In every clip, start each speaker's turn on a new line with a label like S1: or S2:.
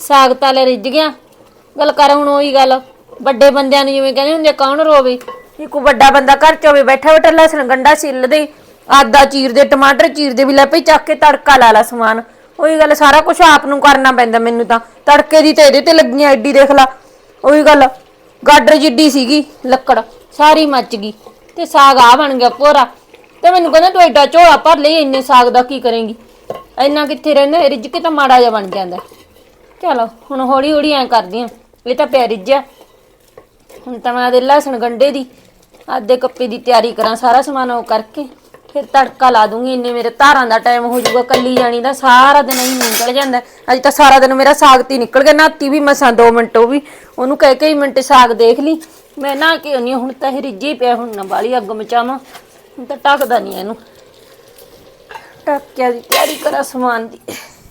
S1: ਸਾਗ ਤਾਂ ਲੈ ਰਿੱਝ ਗਿਆ। ਗੱਲ ਕਰ ਹੁਣ ਉਹੀ ਗੱਲ ਵੱਡੇ ਬੰਦਿਆਂ ਨੂੰ ਜਿਵੇਂ ਕਹਿੰਦੇ ਹੁੰਦੇ ਕੌਣ ਰੋਵੇ। ਇੱਕ ਵੱਡਾ ਬੰਦਾ ਘਰ ਚ ਹੋਵੇ ਬੈਠਾ ਬੈਠਾ ਲਸਣ ਗੰਡਾ ਛਿੱਲ ਦੇ, ਆਦਾ ਚੀਰ ਦੇ, ਟਮਾਟਰ ਚੀਰ ਦੇ, ਵੀ ਲੈ ਭਈ ਚੱਕ ਕੇ ਤੜਕਾ ਲਾ ਲਾ ਸਮਾਨ। ਉਹੀ ਗੱਲ ਸਾਰਾ ਕੁਛ ਆਪ ਨੂੰ ਕਰਨਾ ਪੈਂਦਾ ਮੈਨੂੰ ਤਾਂ। ਤੜਕੇ ਦੀ ਤੇ ਇਹਦੇ ਤੇ ਲੱਗੀਆਂ ਐਡੀ ਦੇਖ ਲਾ। ਉਹੀ ਗੱਲ ਗਾਡਰ ਜਿੱਡੀ ਸੀਗੀ ਲੱਕੜ ਸਾਰੀ ਮੱਚ ਗਈ ਤੇ ਸਾਗ ਆ ਬਣ ਗਿਆ ਭੋਰਾ। ਤੇ ਮੈਨੂੰ ਕਹਿੰਦਾ ਤੂੰ ਐਡਾ ਝੋਲਾ ਭਰ ਲਈ, ਇੰਨੇ ਸਾਗ ਦਾ ਕੀ ਕਰੇਂਗੀ? ਇੰਨਾ ਕਿੱਥੇ ਰਹਿੰਦਾ, ਰਿੱਝ ਕੇ ਤਾਂ ਮਾੜਾ ਜਿਹਾ ਬਣ ਜਾਂਦਾ। ਚਲੋ ਹੁਣ ਹੌਲੀ ਹੌਲੀ ਐਂ ਕਰਦੀ ਆ। ਇਹ ਤਾਂ ਪਿਆ ਰਿੱਝਿਆ। ਹੁਣ ਤਾਂ ਮੈਂ ਆਦੇ ਲਸਣ ਗੰਡੇ ਦੀ ਆਦੇ ਕੱਪੇ ਦੀ ਤਿਆਰੀ ਕਰਾਂ, ਸਾਰਾ ਸਮਾਨ ਉਹ ਕਰਕੇ ਫਿਰ ਤੜਕਾ ਲਾ ਦੂੰਗੀ। ਇੰਨੇ ਮੇਰੇ ਧਾਰਾਂ ਦਾ ਟਾਈਮ ਹੋ ਜਾਊਗਾ। ਕੱਲੀ ਜਾਣੀ ਦਾ ਸਾਰਾ ਦਿਨ ਹੀ ਨਿਕਲ ਜਾਂਦਾ। ਅੱਜ ਤਾਂ ਸਾਰਾ ਦਿਨ ਮੇਰਾ ਸਾਗ ਤੇ ਨਿਕਲ ਗਿਆ। ਨਾਤੀ ਵੀ ਮਸਾਂ 2 ਮਿੰਟ, ਉਹ ਵੀ ਉਹਨੂੰ ਕਹਿ ਕੇ ਹੀ ਮਿੰਟ ਸਾਗ ਦੇਖ ਲਈ। ਮੈਂ ਨਾ ਕਿ ਨਹੀਂ ਹੁਣ ਤਾਂ ਇਹ ਰਿੱਝੇ ਹੀ ਪਿਆ। ਹੁਣ ਨਾ ਬਾਲੀ ਅੱਗ ਮਚਾਵਾਂ, ਹੁਣ ਤਾਂ ਢੱਕਦਾ ਨਹੀਂ ਇਹਨੂੰ। ਟੱਕਿਆ ਦੀ ਤਿਆਰੀ ਕਰਾਂ ਸਮਾਨ ਦੀ।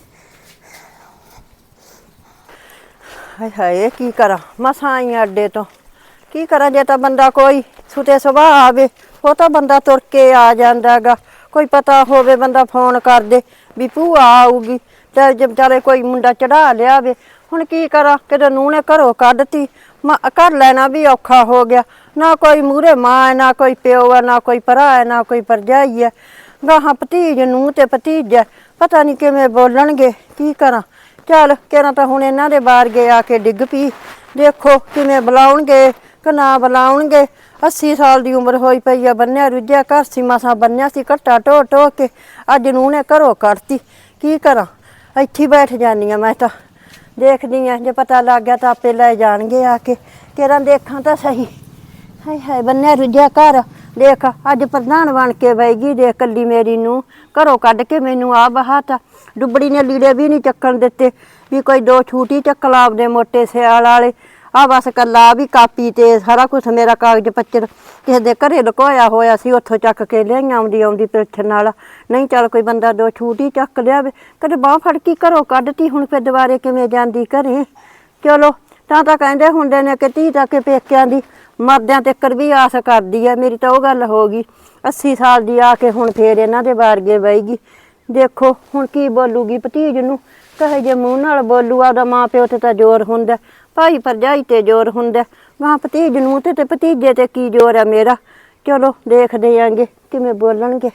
S2: ਹਾਏ ਹਾਏ ਕੀ ਕਰਾਂ, ਮਸਾਂ ਆਈ ਅੱਡੇ ਤੋਂ। ਕੀ ਕਰਾਂ ਜੇ ਤਾਂ ਬੰਦਾ ਕੋਈ ਸੁਤੇ ਸੁਭਾਅ ਆਵੇ, ਉਹ ਤਾਂ ਬੰਦਾ ਤੁਰ ਕੇ ਆ ਜਾਂਦਾ ਗਾ। ਕੋਈ ਪਤਾ ਹੋਵੇ ਬੰਦਾ ਫੋਨ ਕਰ ਦੇ ਵੀ ਭੂਆ ਆਊਗੀ, ਤੇ ਜੇ ਵਿਚਾਰੇ ਕੋਈ ਮੁੰਡਾ ਚੜਾ ਲਿਆਵੇ। ਹੁਣ ਕੀ ਕਰਾਂ, ਕਿਤੇ ਨੂੰਹ ਨੇ ਘਰੋਂ ਕੱਢਤੀ, ਘਰ ਲੈਣਾ ਵੀ ਔਖਾ ਹੋ ਗਿਆ। ਨਾ ਕੋਈ ਮੂਹਰੇ ਮਾਂ ਹੈ, ਨਾ ਕੋਈ ਪਿਓ ਹੈ, ਨਾ ਕੋਈ ਭਰਾ ਹੈ, ਨਾ ਕੋਈ ਭਰਜਾਈ ਹੈ। ਗਾਹਾਂ ਭਤੀਜ ਨੂੰਹ ਤੇ ਭਤੀਜਾ, ਪਤਾ ਨਹੀਂ ਕਿਵੇਂ ਬੋਲਣਗੇ। ਕੀ ਕਰਾਂ, ਚੱਲ ਕਿਹੜਾ ਤਾਂ ਹੁਣ ਇਹਨਾਂ ਦੇ ਬਾਰਗੇ ਆ ਕੇ ਡਿੱਗ ਪਈ। ਦੇਖੋ ਕਿਵੇਂ ਬੁਲਾਉਣਗੇ ਕਿ ਨਾ ਬੁਲਾਉਣਗੇ। 80 ਸਾਲ ਦੀ ਉਮਰ ਹੋਈ ਪਈ ਆ, ਬੰਨਿਆ ਰੁੱਝਿਆ ਘਰ ਸੀ, ਮਸਾਂ ਬੰਨਿਆ ਸੀ ਘੱਟਾ ਢੋ ਢੋ ਕੇ। ਅੱਜ ਨੂੰਹ ਨੇ ਘਰੋਂ ਕੱਢਤੀ। ਕੀ ਕਰਾਂ, ਇੱਥੇ ਬੈਠ ਜਾਂਦੀ ਹਾਂ ਮੈਂ ਤਾਂ। ਦੇਖਦੀ ਹਾਂ ਜੇ ਪਤਾ ਲੱਗ ਗਿਆ ਤਾਂ ਆਪੇ ਲੈ ਜਾਣਗੇ ਆ ਕੇ। ਕਿਹੜਾ ਦੇਖਾਂ ਤਾਂ ਸਹੀ। ਹਾਏ ਹਾਏ ਬੰਨਿਆ ਰੁੱਝਿਆ ਘਰ। ਦੇਖ ਅੱਜ ਪ੍ਰਧਾਨ ਬਣ ਕੇ ਬੈਗੀ। ਦੇਖ ਕੱਲੀ ਮੇਰੀ ਨੂੰ ਘਰੋਂ ਕੱਢ ਕੇ ਮੈਨੂੰ ਆ ਬਹਾਤਾ। ਡੁੱਬੜੀ ਨੇ ਲੀੜੇ ਵੀ ਨਹੀਂ ਚੱਕਣ ਦਿੱਤੇ ਵੀ ਕੋਈ 2 ਛੂਟੀ ਚੱਕ ਲਾ ਆਪਦੇ ਮੋਟੇ ਸਿਆਲ ਵਾਲੇ। ਆ ਬਸ ਕੱਲਾ ਵੀ ਕਾਪੀ ਤੇ ਸਾਰਾ ਕੁਛ ਮੇਰਾ ਕਾਗਜ਼ ਪੱਤਰ ਕਿਸੇ ਦੇ ਘਰੇ ਲੁਕੋਇਆ ਹੋਇਆ ਸੀ, ਉੱਥੋਂ ਚੱਕ ਕੇ ਲਿਆਈਆਂ ਆਉਂਦੀ ਆਉਂਦੀ ਪਿੱਛੇ ਨਾਲ। ਨਹੀਂ ਚੱਲ ਕੋਈ ਬੰਦਾ 2 ਛੂਟੀ ਚੱਕ ਲਿਆਵੇ। ਕਦੇ ਬਾਂਹ ਫੜ ਕੇ ਘਰੋਂ ਕੱਢਤੀ, ਹੁਣ ਫਿਰ ਦੁਬਾਰੇ ਕਿਵੇਂ ਜਾਂਦੀ ਘਰੇ। ਚਲੋ ਤਾਂ ਕਹਿੰਦੇ ਹੁੰਦੇ ਨੇ ਕਿ ਧੀ ਤਾਂ ਕਿ ਪੇਕਿਆਂ ਦੀ ਮਰਦਿਆਂ ਤੱਕ ਵੀ ਆਸ ਕਰਦੀ ਹੈ। ਮੇਰੀ ਤਾਂ ਉਹ ਗੱਲ ਹੋ ਗਈ। 80 ਸਾਲ ਦੀ ਆ ਕੇ ਹੁਣ ਫੇਰ ਇਹਨਾਂ ਦੇ ਬਾਰਗੇ ਬਹਿਗੀ। ਦੇਖੋ ਹੁਣ ਕੀ ਬੋਲੂਗੀ ਭਤੀਜ ਨੂੰ, ਕਹੇ ਜੇ ਮੂੰਹ ਨਾਲ ਬੋਲੂ। ਆਪਦਾ ਮਾਂ ਪਿਓ ਤੇ ਤਾਂ ਜ਼ੋਰ ਹੁੰਦਾ, ਭਾਈ ਭਰਜਾਈ ਤੇ ਜ਼ੋਰ ਹੁੰਦਾ। ਮਾਂ ਭਤੀਜ ਨੂੰ ਤੇ ਭਤੀਜੇ ਤੇ ਕੀ ਜ਼ੋਰ ਹੈ ਮੇਰਾ। ਚਲੋ ਦੇਖਦੇ ਆਂਗੇ ਕਿਵੇਂ ਬੋਲਣਗੇ।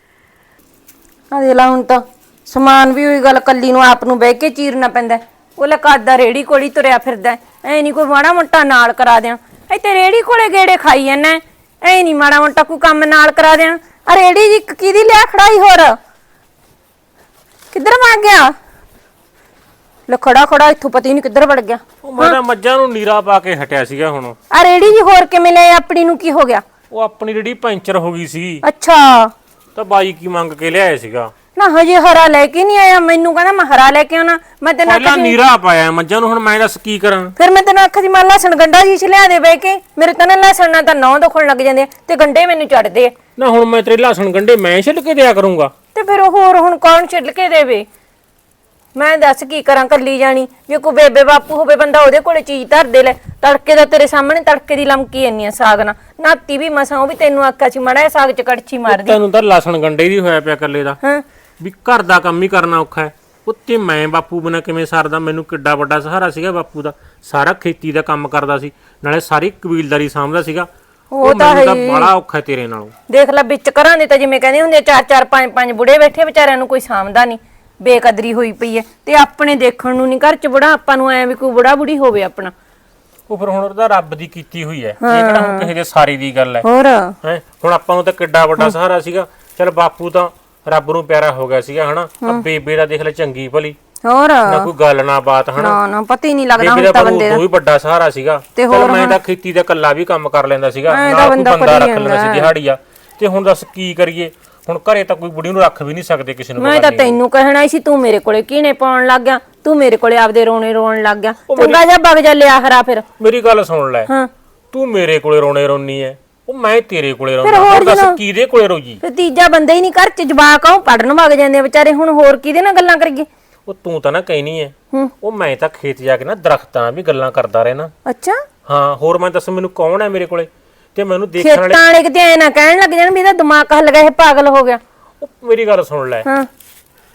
S1: ਆ ਦੇ ਲਾ ਹੁਣ ਤਾਂ ਸਮਾਨ ਵੀ ਉਹੀ ਗੱਲ ਕੱਲੀ ਨੂੰ ਆਪ ਨੂੰ ਬਹਿ ਕੇ ਚੀਰਨਾ ਪੈਂਦਾ। ਉਹ ਲੈ ਕਾਦਾ ਰੇੜੀ ਕੋਲੀ ਤੁਰਿਆ ਫਿਰਦਾ। ਐ ਨਹੀਂ ਕੋਈ ਮਾੜਾ ਮੋਟਾ ਨਾਲ ਕਰਾ ਦਿਆਂ। ਇੱਥੇ ਰੇੜੀ ਕੋਲੇ ਗੇੜੇ ਖਾਈ ਜਾਂਦਾ। ਐ ਨਹੀਂ ਮਾੜਾ ਮੋਟਾ ਕੋਈ ਕੰਮ ਨਾਲ ਕਰਾ ਦਿਆਂ। ਆ ਰੇੜੀ ਜੀ ਕਿਹਦੀ ਲਿਆ ਖੜਾਈ, ਹੋਰ ਕਿੱਧਰ ਵਗ ਗਿਆ? ਲੈ ਖੜਾ ਖੜਾ ਇੱਥੋਂ ਪਤਾ ਹੀ ਨਹੀਂ ਕਿੱਧਰ ਵੜ ਗਿਆ।
S3: ਉਹ ਮੈਂ ਤਾਂ ਮੱਝਾਂ ਨੂੰ ਨੀਰਾ ਪਾ ਕੇ ਹਟਿਆ ਸੀਗਾ। ਹੁਣ
S1: ਆ ਰੇੜੀ ਜੀ ਹੋਰ ਕਿਵੇਂ ਲੈ ਆਪਣੀ ਨੂੰ ਕੀ ਹੋ ਗਿਆ?
S3: ਉਹ ਆਪਣੀ ਰੇੜੀ ਪੈਂਚਰ ਹੋ ਗਈ ਸੀ।
S1: ਅੱਛਾ
S3: ਤਾਂ ਬਾਈ ਕੀ ਮੰਗ ਕੇ ਲਿਆਇਆ ਸੀਗਾ।
S1: ਨਾ ਹਜੇ ਹਰਾ ਲੈ ਕੇ ਨਹੀਂ ਆਇਆ। ਮੈਨੂੰ ਕਹਿੰਦਾ ਮੈਂ ਹਰਾ ਲੈ ਕੇ ਆਉਣਾ। ਮੈਂ ਤੈਨੂੰ
S3: ਪਹਿਲਾਂ ਨੀਰਾ ਪਾਇਆ ਮੱਝਾਂ ਨੂੰ, ਹੁਣ ਮੈਂ ਦੱਸ ਕੀ ਕਰਾਂ।
S1: ਫਿਰ ਮੈਂ ਤੈਨੂੰ ਆਖਿਆ ਸੀ ਮੈਂ ਲਸਣ ਗੰਡਾ ਜੀ ਲਿਆ ਦੇ ਬਹਿ ਕੇ। ਮੇਰੇ ਤਾਂ ਨਾ ਲਸਣ ਨਾਲ ਤਾਂ ਨੌ ਦੁਖਣ ਲੱਗ ਜਾਂਦੇ ਤੇ ਗੰਡੇ ਮੈਨੂੰ ਚੜਦੇ ਆ।
S3: ਨਾ ਹੁਣ ਮੈਂ ਤੇਰੇ ਲਸਣ ਗੰਡੇ ਮੈਂ ਛਿੱਲ ਕੇ ਦਿਆ ਕਰੂੰਗਾ।
S1: ਤੇ ਫਿਰ ਹੋਰ ਹੁਣ ਕੌਣ ਛਿੱਲ ਕੇ ਦੇਵੇ? ਮੈਂ ਦੱਸ ਕੀ ਕਰਾਂ ਕੱਲੀ ਜਾਣੀ। ਜੇ ਕੋਈ ਬੇਬੇ ਬਾਪੂ ਹੋਵੇ ਬੰਦਾ ਉਹਦੇ ਕੋਲੇ ਚੀਜ਼ ਧਰ ਦੇ। ਲੈ ਤੜਕੇ ਦਾ ਤੇਰੇ ਸਾਹਮਣੇ ਤੜਕੇ ਦੀ ਲਮਕੀ ਇੰਨੀ ਆ ਸਾਗ ਨਾਲ। ਨਾਤੀ ਵੀ ਮਸਾਂ, ਉਹ ਵੀ ਤੈਨੂੰ ਆਖਿਆ ਸੀ ਮਾੜਾ ਸਾਗ ਚ ਕੜਛੀ ਮਾਰਦੀ।
S3: ਤੈਨੂੰ ਤਾਂ ਲਸਣ ਗੰਡੇ ਦੀ ਹੋਇਆ ਪਿਆ ਕੱਲੇ ਦਾ।
S1: ਹਾਂ
S3: ਵੀ ਘਰ ਦਾ ਕੰਮ ਹੀ ਕਰਨਾ ਔਖਾ ਹੈ। ਉੱਤੇ ਮੈਂ ਬਾਪੂ ਬਿਨਾਂ ਕਿਵੇਂ ਸਰਦਾ। ਮੈਨੂੰ ਕਿੱਡਾ ਵੱਡਾ ਸਹਾਰਾ ਸੀਗਾ ਬਾਪੂ ਦਾ। ਸਾਰਾ ਖੇਤੀ ਦਾ ਕੰਮ ਕਰਦਾ ਸੀ, ਨਾਲੇ ਸਾਰੀ ਕਬੀਲਦਾਰੀ ਸਾਂਭਦਾ ਸੀਗਾ। ਉਹ ਤਾਂ ਬੜਾ ਔਖਾ ਤੇਰੇ ਨਾਲੋਂ। ਦੇਖ
S1: ਲੈ ਵਿੱਚ ਘਰਾਂ ਦੇ ਤਾਂ ਜਿਵੇਂ ਕਹਿੰਦੇ ਹੁੰਦੇ 4-4 5-5 ਬੁੜੇ ਬੈਠੇ, ਵਿਚਾਰਿਆਂ ਨੂੰ ਕੋਈ ਸਾਂਭਦਾ ਨਹੀਂ। ਬੇਕਦਰੀ ਹੋਈ ਪਈ ਹੈ। ਤੇ ਆਪਣੇ ਦੇਖਣ ਨੂੰ ਨਹੀਂ ਘਰ ਚ ਬੁੜਾ, ਆਪਾਂ ਨੂੰ ਐ ਵੀ ਕੋਈ ਬੁੜਾ ਬੁੜੀ ਹੋਵੇ ਆਪਣਾ।
S3: ਉਹ ਫਿਰ ਹੁਣ ਉਹਦਾ ਰੱਬ ਦੀ ਕੀਤੀ ਹੋਈ ਹੈ। ਇਹ ਕਿਹੜਾ ਹੁਣ ਕਿਸੇ ਦੇ ਸਾਰੀ ਦੀ ਗੱਲ ਹੈ।
S1: ਹੋਰ
S3: ਹੈ ਹੁਣ ਆਪਾਂ ਨੂੰ ਤਾਂ ਕਿੱਡਾ ਵੱਡਾ ਸਹਾਰਾ ਸੀਗਾ। ਚਲ ਬਾਪੂ ਤਾਂ ਰੱਬ ਨੂੰ ਪਿਆਰਾ ਹੋ ਗਿਆ ਸੀਗਾ ਹਨਾ। ਬੇਬੇ ਦਾ ਦੇਖ ਲੈ ਚੰਗੀ ਭਲੀ,
S1: ਹੋਰ
S3: ਨਾ ਕੋਈ ਗੱਲ ਨਾ ਬਾਤ ਹਨਾ।
S1: ਨਾ ਨਾ ਪਤਾ ਹੀ ਨਹੀਂ ਲੱਗਦਾ
S3: ਹੁਣ ਤਾਂ ਬੰਦੇ ਦਾ। ਉਹ ਵੀ ਵੱਡਾ ਸਹਾਰਾ ਸੀਗਾ। ਤੇ ਮੈਂ ਤਾਂ ਖੇਤੀ ਦਾ ਕੱਲਾ ਵੀ ਕੰਮ ਕਰ ਲੈਂਦਾ ਸੀਗਾ, ਨਾਲ ਕੋਈ ਬੰਦਾ ਰੱਖ ਲੈਂਦਾ ਸੀ ਦਿਹਾੜੀਆ। ਤੇ ਹੁਣ ਦੱਸ ਕੀ ਕਰੀਏ। ਹੁਣ ਘਰੇ ਤਾਂ ਕੋਈ ਬੁੜੀ ਨੂੰ ਰੱਖ ਵੀ ਨਹੀਂ ਸਕਦੇ ਕਿਸੇ ਨੂੰ।
S1: ਮੈਂ ਤਾਂ ਤੈਨੂੰ ਕਹਿਣਾ ਸੀ, ਤੂੰ ਮੇਰੇ ਕੋਲੇ ਕੀਨੇ ਪਾਉਣ ਲੱਗ ਗਿਆ। ਤੂੰ ਮੇਰੇ ਕੋਲੇ ਆਪਦੇ ਰੋਣੇ ਰੋਣ ਲੱਗ ਗਿਆ। ਚੰਗਾ ਜਾ ਵਗ ਜਾ ਲਿਆ ਹਰਾ। ਫਿਰ ਮੇਰੀ ਗੱਲ ਸੁਣ ਲੈ, ਤੂੰ ਮੇਰੇ ਕੋਲੇ ਰੋਣੇ ਰੋਣੀ ਐ, ਉਹ ਮੈਂ ਤੇਰੇ ਕੋਲੇ ਰੋਣਾ। ਹੋਰ ਦੱਸ ਕਿਹਦੇ ਕੋਲੇ ਰੋਜੀ? ਤੇ ਤੀਜਾ ਬੰਦਾ ਹੀ ਨਹੀਂ ਘਰ ਚ। ਜਵਾਕ ਆਉ ਪੜਨ ਵਗ ਜਾਂਦੇ ਵਿਚਾਰੇ। ਹੁਣ ਹੋਰ ਕਿਹਦੇ ਨਾਲ ਗੱਲਾਂ ਕਰੀਏ? ਉਹ ਤੂੰ ਤਾਂ ਨਾ ਕਹਿਨੀ ਐ, ਉਹ ਮੈਂ ਤਾਂ ਖੇਤ ਜਾ ਕੇ ਨਾ ਦਰਖਤਾਂ ਵੀ ਗੱਲਾਂ ਕਰਦਾ ਰਹਿਣਾ। ਅੱਛਾ ਹਾਂ। ਹੋਰ ਮੈਂ ਦੱਸ ਮੈਨੂੰ ਕੌਣ ਐ ਮੇਰੇ ਕੋਲੇ? ਤੇ ਮੈਨੂੰ ਦੇਖਣ ਵਾਲੇ ਕਿਤੇ ਐ ਨਾ ਕਹਿਣ ਲੱਗ ਜਾਣ ਵੀ ਇਹਦਾ ਦਿਮਾਗ ਹੱਲ ਗਿਆ, ਇਹ ਪਾਗਲ ਹੋ ਗਿਆ। ਉਹ ਮੇਰੀ ਗੱਲ ਸੁਣ ਲੈ,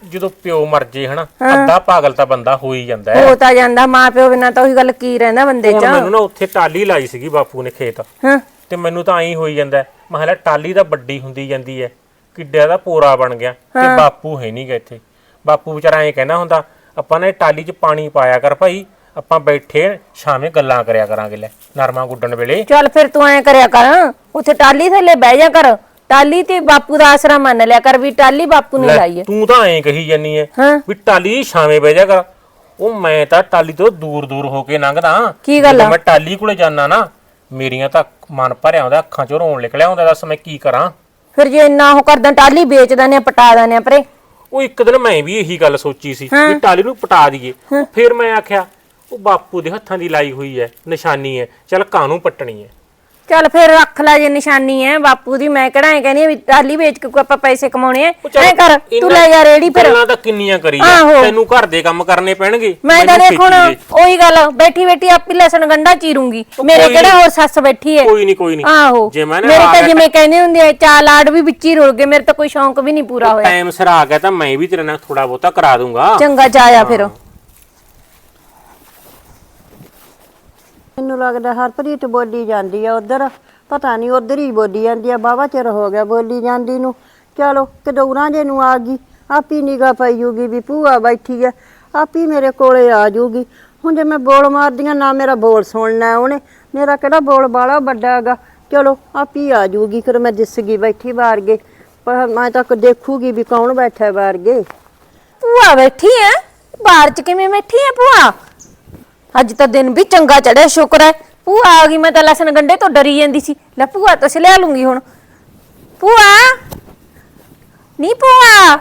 S3: ਜਦੋਂ ਪਿਓ ਮਰ ਜੇ ਹਨਾ ਅੱਧਾ ਪਾਗਲ ਤਾਂ ਬੰਦਾ ਹੋ ਹੀ ਜਾਂਦਾ
S1: ਹੋ ਤਾਂ ਜਾਂਦਾ, ਮਾਂ ਪਿਓ ਬਿਨਾਂ ਤਾਂ ਉਹੀ ਗੱਲ ਕੀ ਰਹਿੰਦਾ ਬੰਦੇ
S3: ਹੁਣ
S1: 'ਚ।
S3: ਮੈਨੂੰ ਨਾ ਉੱਥੇ ਟਾਲੀ ਲਾਈ ਸੀਗੀ ਬਾਪੂ ਨੇ ਖੇਤ,
S1: ਹਾਂ
S3: ਤੇ ਮੈਨੂੰ ਤਾਂ ਐਂ ਹੋਈ ਜਾਂਦਾ ਮੈਂ ਕਿਹਾ ਲੈ ਟਾਲੀ ਤਾਂ ਵੱਡੀ ਹੁੰਦੀ ਜਾਂਦੀ ਐ, ਕਿੱਡਿਆ ਦਾ ਪੋਰਾ ਬਣ ਗਿਆ ਤੇ ਬਾਪੂ ਹੈ ਨਹੀਂਗਾ ਇੱਥੇ। ਬਾਪੂ ਵਿਚਾਰਾ ਐਂ ਕਹਿੰਦਾ ਹੁੰਦਾ ਆਪਾਂ ਨੇ ਟਾਲੀ 'ਚ ਪਾਣੀ ਪਾਇਆ ਕਰ ਭਾਈ, ਆਪਾਂ ਬੈਠੇ ਸ਼ਾਮੇ ਗੱਲਾਂ ਕਰਿਆ ਕਰਾਂਗੇ ਲੈ ਨਰਮਾ ਗੁੱਡਣ ਵੇਲੇ।
S1: ਚੱਲ ਫਿਰ ਤੂੰ ਐ ਕਰਿਆ ਕਰ, ਉੱਥੇ ਟਾਲੀ ਥੱਲੇ ਬਹਿ ਜਾ ਕਰ, ਟਾਲੀ ਤੇ ਬਾਪੂ ਦਾ ਆਸਰਾ ਮੰਨ ਲਿਆ ਕਰ ਵੀ ਟਾਲੀ ਬਾਪੂ ਨੇ ਲਾਈ ਐ।
S3: ਤੂੰ ਤਾਂ ਐਂ ਕਹੀ ਜਾਨੀ ਐ
S1: ਹਾਂ
S3: ਵੀ ਟਾਲੀ ਛਾਵੇਂ ਬਹਿ ਜਾ ਕਰ, ਉਹ ਮੈਂ ਤਾਂ ਟਾਲੀ ਤੋਂ ਦੂਰ ਦੂਰ ਹੋ ਕੇ ਲੰਘਦਾ।
S1: ਕੀ ਗੱਲ ਆ?
S3: ਮੈਂ ਟਾਲੀ ਕੋਲੇ ਜਾਣਾ ਨਾ ਮੇਰੀਆਂ ਤਾਂ ਮਨ ਭਰਿਆ ਆਉਂਦਾ, ਅੱਖਾਂ 'ਚੋਂ ਰੋਣ ਨਿਕਲਿਆ ਹੁੰਦਾ, ਦੱਸ ਮੈਂ ਕੀ ਕਰਾਂ।
S1: ਫਿਰ ਜੇ ਇੰਨਾ ਉਹ ਕਰਦਾ ਟਾਲੀ ਵੇਚ ਦਨੇ ਪਟਾ ਦਨੇ ਪਰੇ।
S3: ਉਹ ਇੱਕ ਦਿਨ ਮੈਂ ਵੀ ਇਹੀ ਗੱਲ ਸੋਚੀ ਸੀ ਵੀ ਟਾਲੀ ਨੂੰ ਪਟਾ ਦਈਏ, ਫਿਰ ਮੈਂ ਆਖਿਆ ਉਹ ਬਾਪੂ ਦੇ ਹੱਥਾਂ ਦੀ ਲਾਈ ਹੋਈ ਐ ਨਿਸ਼ਾਨੀ ਐ, ਚੱਲ ਕਾਹਨੂੰ ਪੱਟਣੀ ਐ।
S1: ਚੱਲ ਫਿਰ ਰੱਖ ਲੈ ਜੇ ਨਿਸ਼ਾਨੀ ਐ ਬਾਪੂ ਦੀ, ਮੈਂ ਕਿਹੜਾ ਐ ਕਹਿੰਦੀ ਆ ਵੀ ਟਾਲੀ ਵੇਚ ਕੇ ਕੋਈ ਆਪਾਂ ਪੈਸੇ ਕਮਾਉਣੇ ਐ। ਐ ਕਰ ਤੂੰ ਲੈ ਜਾ ਰੇੜੀ ਫਿਰ।
S3: ਗੱਲਾਂ ਤਾਂ ਕਿੰਨੀਆਂ ਕਰੀ ਆ, ਤੈਨੂੰ ਘਰ ਦੇ ਕੰਮ ਕਰਨੇ ਪੈਣਗੇ।
S1: ਮੈਂ ਤਾਂ ਦੇਖ ਹੁਣ ਉਹੀ ਗੱਲ ਬੈਠੀ ਬੈਠੀ ਆਪੀ ਲਸਣ ਗੰਢਾ ਚੀਰੂੰਗੀ, ਮੇਰੇ ਕਿਹੜਾ ਹੋਰ ਸੱਸ ਬੈਠੀ ਐ।
S3: ਕੋਈ ਨਹੀਂ
S1: ਆਹੋ ਮੇਰੇ ਤਾਂ ਜਿਵੇਂ ਕਹਿੰਦੇ ਹੁੰਦੇ ਆ ਚਾਰ ਲਾਡ ਵੀ ਵਿੱਚ ਹੀ ਰੁਲ ਗਏ, ਮੇਰੇ ਤਾਂ ਕੋਈ ਸ਼ੌਂਕ ਵੀ ਨਹੀਂ ਪੂਰਾ ਹੋਇਆ।
S3: ਟਾਈਮ ਸਿਰ ਆ ਗਿਆ ਤਾਂ ਮੈਂ ਵੀ ਤੇਰੇ ਨਾਲ ਥੋੜਾ ਬਹੁਤਾ ਕਰਾ ਦੂੰਗਾ।
S1: ਚੰਗਾ ਜਾਇਆ ਫਿਰ।
S2: ਮੈਨੂੰ ਲੱਗਦਾ ਹਰਪ੍ਰੀਤ ਬੋਲੀ ਜਾਂਦੀ ਆ ਉਧਰ, ਪਤਾ ਨਹੀਂ ਉਧਰ ਹੀ ਬੋਲੀ ਜਾਂਦੀ ਆ, ਬਾਵਾ ਚਿਰ ਹੋ ਗਿਆ ਬੋਲੀ ਜਾਂਦੀ ਨੂੰ। ਚਲੋ ਕਦੌਰਾਂ ਜੇ ਨੂੰ ਆ ਗਈ, ਆਪੀ ਨਿਗਾਹ ਪਈ ਜੂਗੀ ਵੀ ਭੂਆ ਬੈਠੀ ਆ, ਆਪੀ ਮੇਰੇ ਕੋਲੇ ਆ ਜੂਗੀ। ਹੁਣ ਜੇ ਮੈਂ ਬੋਲ ਮਾਰਦੀਆਂ ਨਾ ਮੇਰਾ ਬੋਲ ਸੁਣਨਾ ਉਹਨੇ, ਮੇਰਾ ਕਿਹੜਾ ਬੋਲ ਬਾਲਾ ਵੱਡਾ ਹੈਗਾ। ਚਲੋ ਆਪੀ ਆ ਜੂਗੀ, ਫਿਰ ਮੈਂ ਦਿਸ ਗਈ ਬੈਠੀ ਬਾਹਰ ਗਏ, ਪਰ ਮੈਂ ਤਾਂ ਦੇਖੂਗੀ ਵੀ ਕੌਣ ਬੈਠਾ ਬਾਹਰ ਗਏ।
S1: ਭੂਆ ਬੈਠੀ ਐ ਬਾਹਰ ਚ, ਕਿਵੇਂ ਬੈਠੀ ਐ ਭੂਆ? ਅੱਜ ਤਾਂ ਦਿਨ ਵੀ ਚੰਗਾ ਚੜਿਆ, ਸ਼ੁਕਰ ਹੈ ਭੂਆ ਆ ਗਈ। ਮੈਂ ਤਾਂ ਲਸਣ ਗੰਡੇ ਤੋਂ ਡਰੀ ਜਾਂਦੀ ਸੀ, ਲੈ ਭੂਆ ਤੋਂ ਲਿਆ ਲੂੰਗੀ ਹੁਣ। ਭੂਆ ਨੀ ਭੂਆ,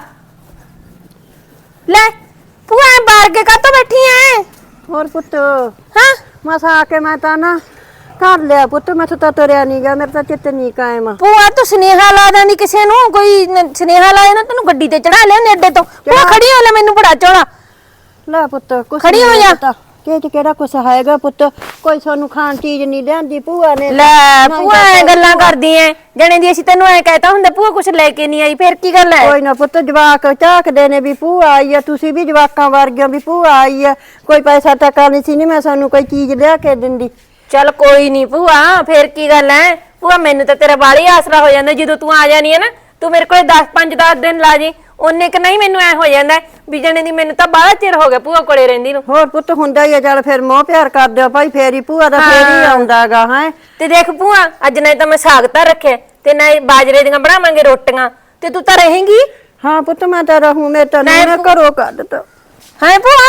S1: ਲੈ ਭੂਆ ਬਾਹਰ ਕੇ ਕਾਤੋਂ ਬੈਠੀ ਐ?
S2: ਹੋਰ ਪੁੱਤ
S1: ਹਾਂ
S2: ਮਸਾਂ ਆ ਕੇ ਮੈਂ ਤਾਂ ਨਾ ਕਰ ਲਿਆ ਪੁੱਤ, ਮੈਥੋਂ ਤਾਂ ਤੁਰਿਆ ਨਹੀਂ ਗਿਆ, ਮੇਰੇ ਤਾਂ ਚਿੱਤ ਨਹੀਂ ਕਾਇਮ।
S1: ਭੂਆ ਤੂੰ ਸੁਨੇਹਾ ਲਾ ਦਿੰਦੀ ਕਿਸੇ ਨੂੰ, ਕੋਈ ਸੁਨੇਹਾ ਲਾਏ ਨਾ ਤੈਨੂੰ ਗੱਡੀ ਤੇ ਚੜਾ ਲਿਆ ਨੇੜੇ ਤੋਂ। ਭੂਆ ਖੜੀ ਹੋ ਲੈ, ਮੈਨੂੰ ਬੜਾ ਚੋਲਾ।
S2: ਲੈ ਪੁੱਤ ਕੁਛ
S1: ਖੜੀ ਹੋ ਜਾ।
S2: ਕਿ ਚ ਕਿਹੜਾ ਕੁਛ ਹੈਗਾ ਪੁੱਤ, ਕੋਈ ਸਾਨੂੰ ਖਾਣ ਚੀਜ਼ ਨਹੀਂ ਲਿਆਂਦੀ ਭੂਆ ਨੇ।
S1: ਲੈ ਭੂਆ ਐ ਗੱਲਾਂ ਕਰਦੀ ਐ ਜਣੇ ਦੀ, ਅਸੀਂ ਤੈਨੂੰ ਐ ਕਹਿਤਾ ਹੁੰਦਾ ਭੂਆ ਕੁਛ ਲੈ ਕੇ ਨਹੀਂ ਆਈ, ਫੇਰ ਕੀ ਗੱਲ ਐ?
S2: ਕੋਈ ਨਾ ਪੁੱਤ, ਜਵਾਕ ਝਾਕਦੇ ਨੇ ਵੀ ਭੂਆ ਆਈ ਆ, ਤੁਸੀਂ ਵੀ ਜਵਾਕਾਂ ਵਰਗਿਆਂ ਵੀ ਭੂਆ ਆਈ ਆ, ਕੋਈ ਪੈਸਾ ਟਕਾ ਨਹੀਂ ਸੀ, ਨਹੀਂ ਮੈਂ ਸਾਨੂੰ ਕੋਈ ਚੀਜ਼ ਲਿਆ ਕੇ ਦਿੰਦੀ।
S1: ਚੱਲ ਕੋਈ ਨਹੀਂ ਭੂਆ, ਫੇਰ ਕੀ ਗੱਲ ਐ ਭੂਆ, ਮੈਨੂੰ ਤਾਂ ਤੇਰਾ ਬਾਲੀ ਆਸਰਾ ਹੋ ਜਾਂਦਾ ਜਦੋਂ ਤੂੰ ਆ ਜਾਨੀ ਐ ਨਾ। ਤੂੰ ਮੇਰੇ ਕੋਲ 5-10 ਦਿਨ ਲਾ ਜੀ, ਉਹਨੇ ਕਿ ਨਹੀਂ ਮੈਨੂੰ ਐ ਹੋ ਜਾਂਦਾ ਵੀ ਜਣੇ ਦੀ ਮੈਨੂੰ ਤਾਂ ਬਾਹਲਾ ਚਿਰ ਹੋ ਗਿਆ ਭੂਆ ਕੋਲੇ ਰਹਿੰਦੀ ਨੂੰ।
S2: ਹੋਰ ਪੁੱਤ ਹੁੰਦਾ ਹੀ ਆ, ਚੱਲ ਫਿਰ ਮੋਹ ਪਿਆਰ ਕਰ ਦਿਓ ਭਾਈ, ਫੇਰ ਹੀ ਭੂਆ ਦਾ ਫੇਰ ਹੀ ਆਉਂਦਾਗਾ ਹੈ।
S1: ਤੇ ਦੇਖ ਭੂਆ, ਅੱਜ ਨਹੀਂ ਤਾਂ ਮੈਂ ਸਾਗ ਤਾਂ ਰੱਖਿਆ ਤੇ ਨਾ ਬਾਜਰੇ ਦੀਆਂ ਬਣਾਵਾਂਗੇ ਰੋਟੀਆਂ, ਤੇ ਤੂੰ ਤਾਂ ਰਹੇਂਗੀ।
S2: ਹਾਂ ਪੁੱਤ ਮੈਂ ਤਾਂ ਰਹੂੰ, ਮੈਂ ਤਾਂ ਨਾ ਘਰੋਂ ਕੱਢ ਤਾ।
S1: ਹਾਂ ਭੂਆ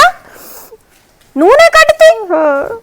S1: ਨੂੰ ਨੇ ਕੱਢਤੀ?
S2: ਹਾਂ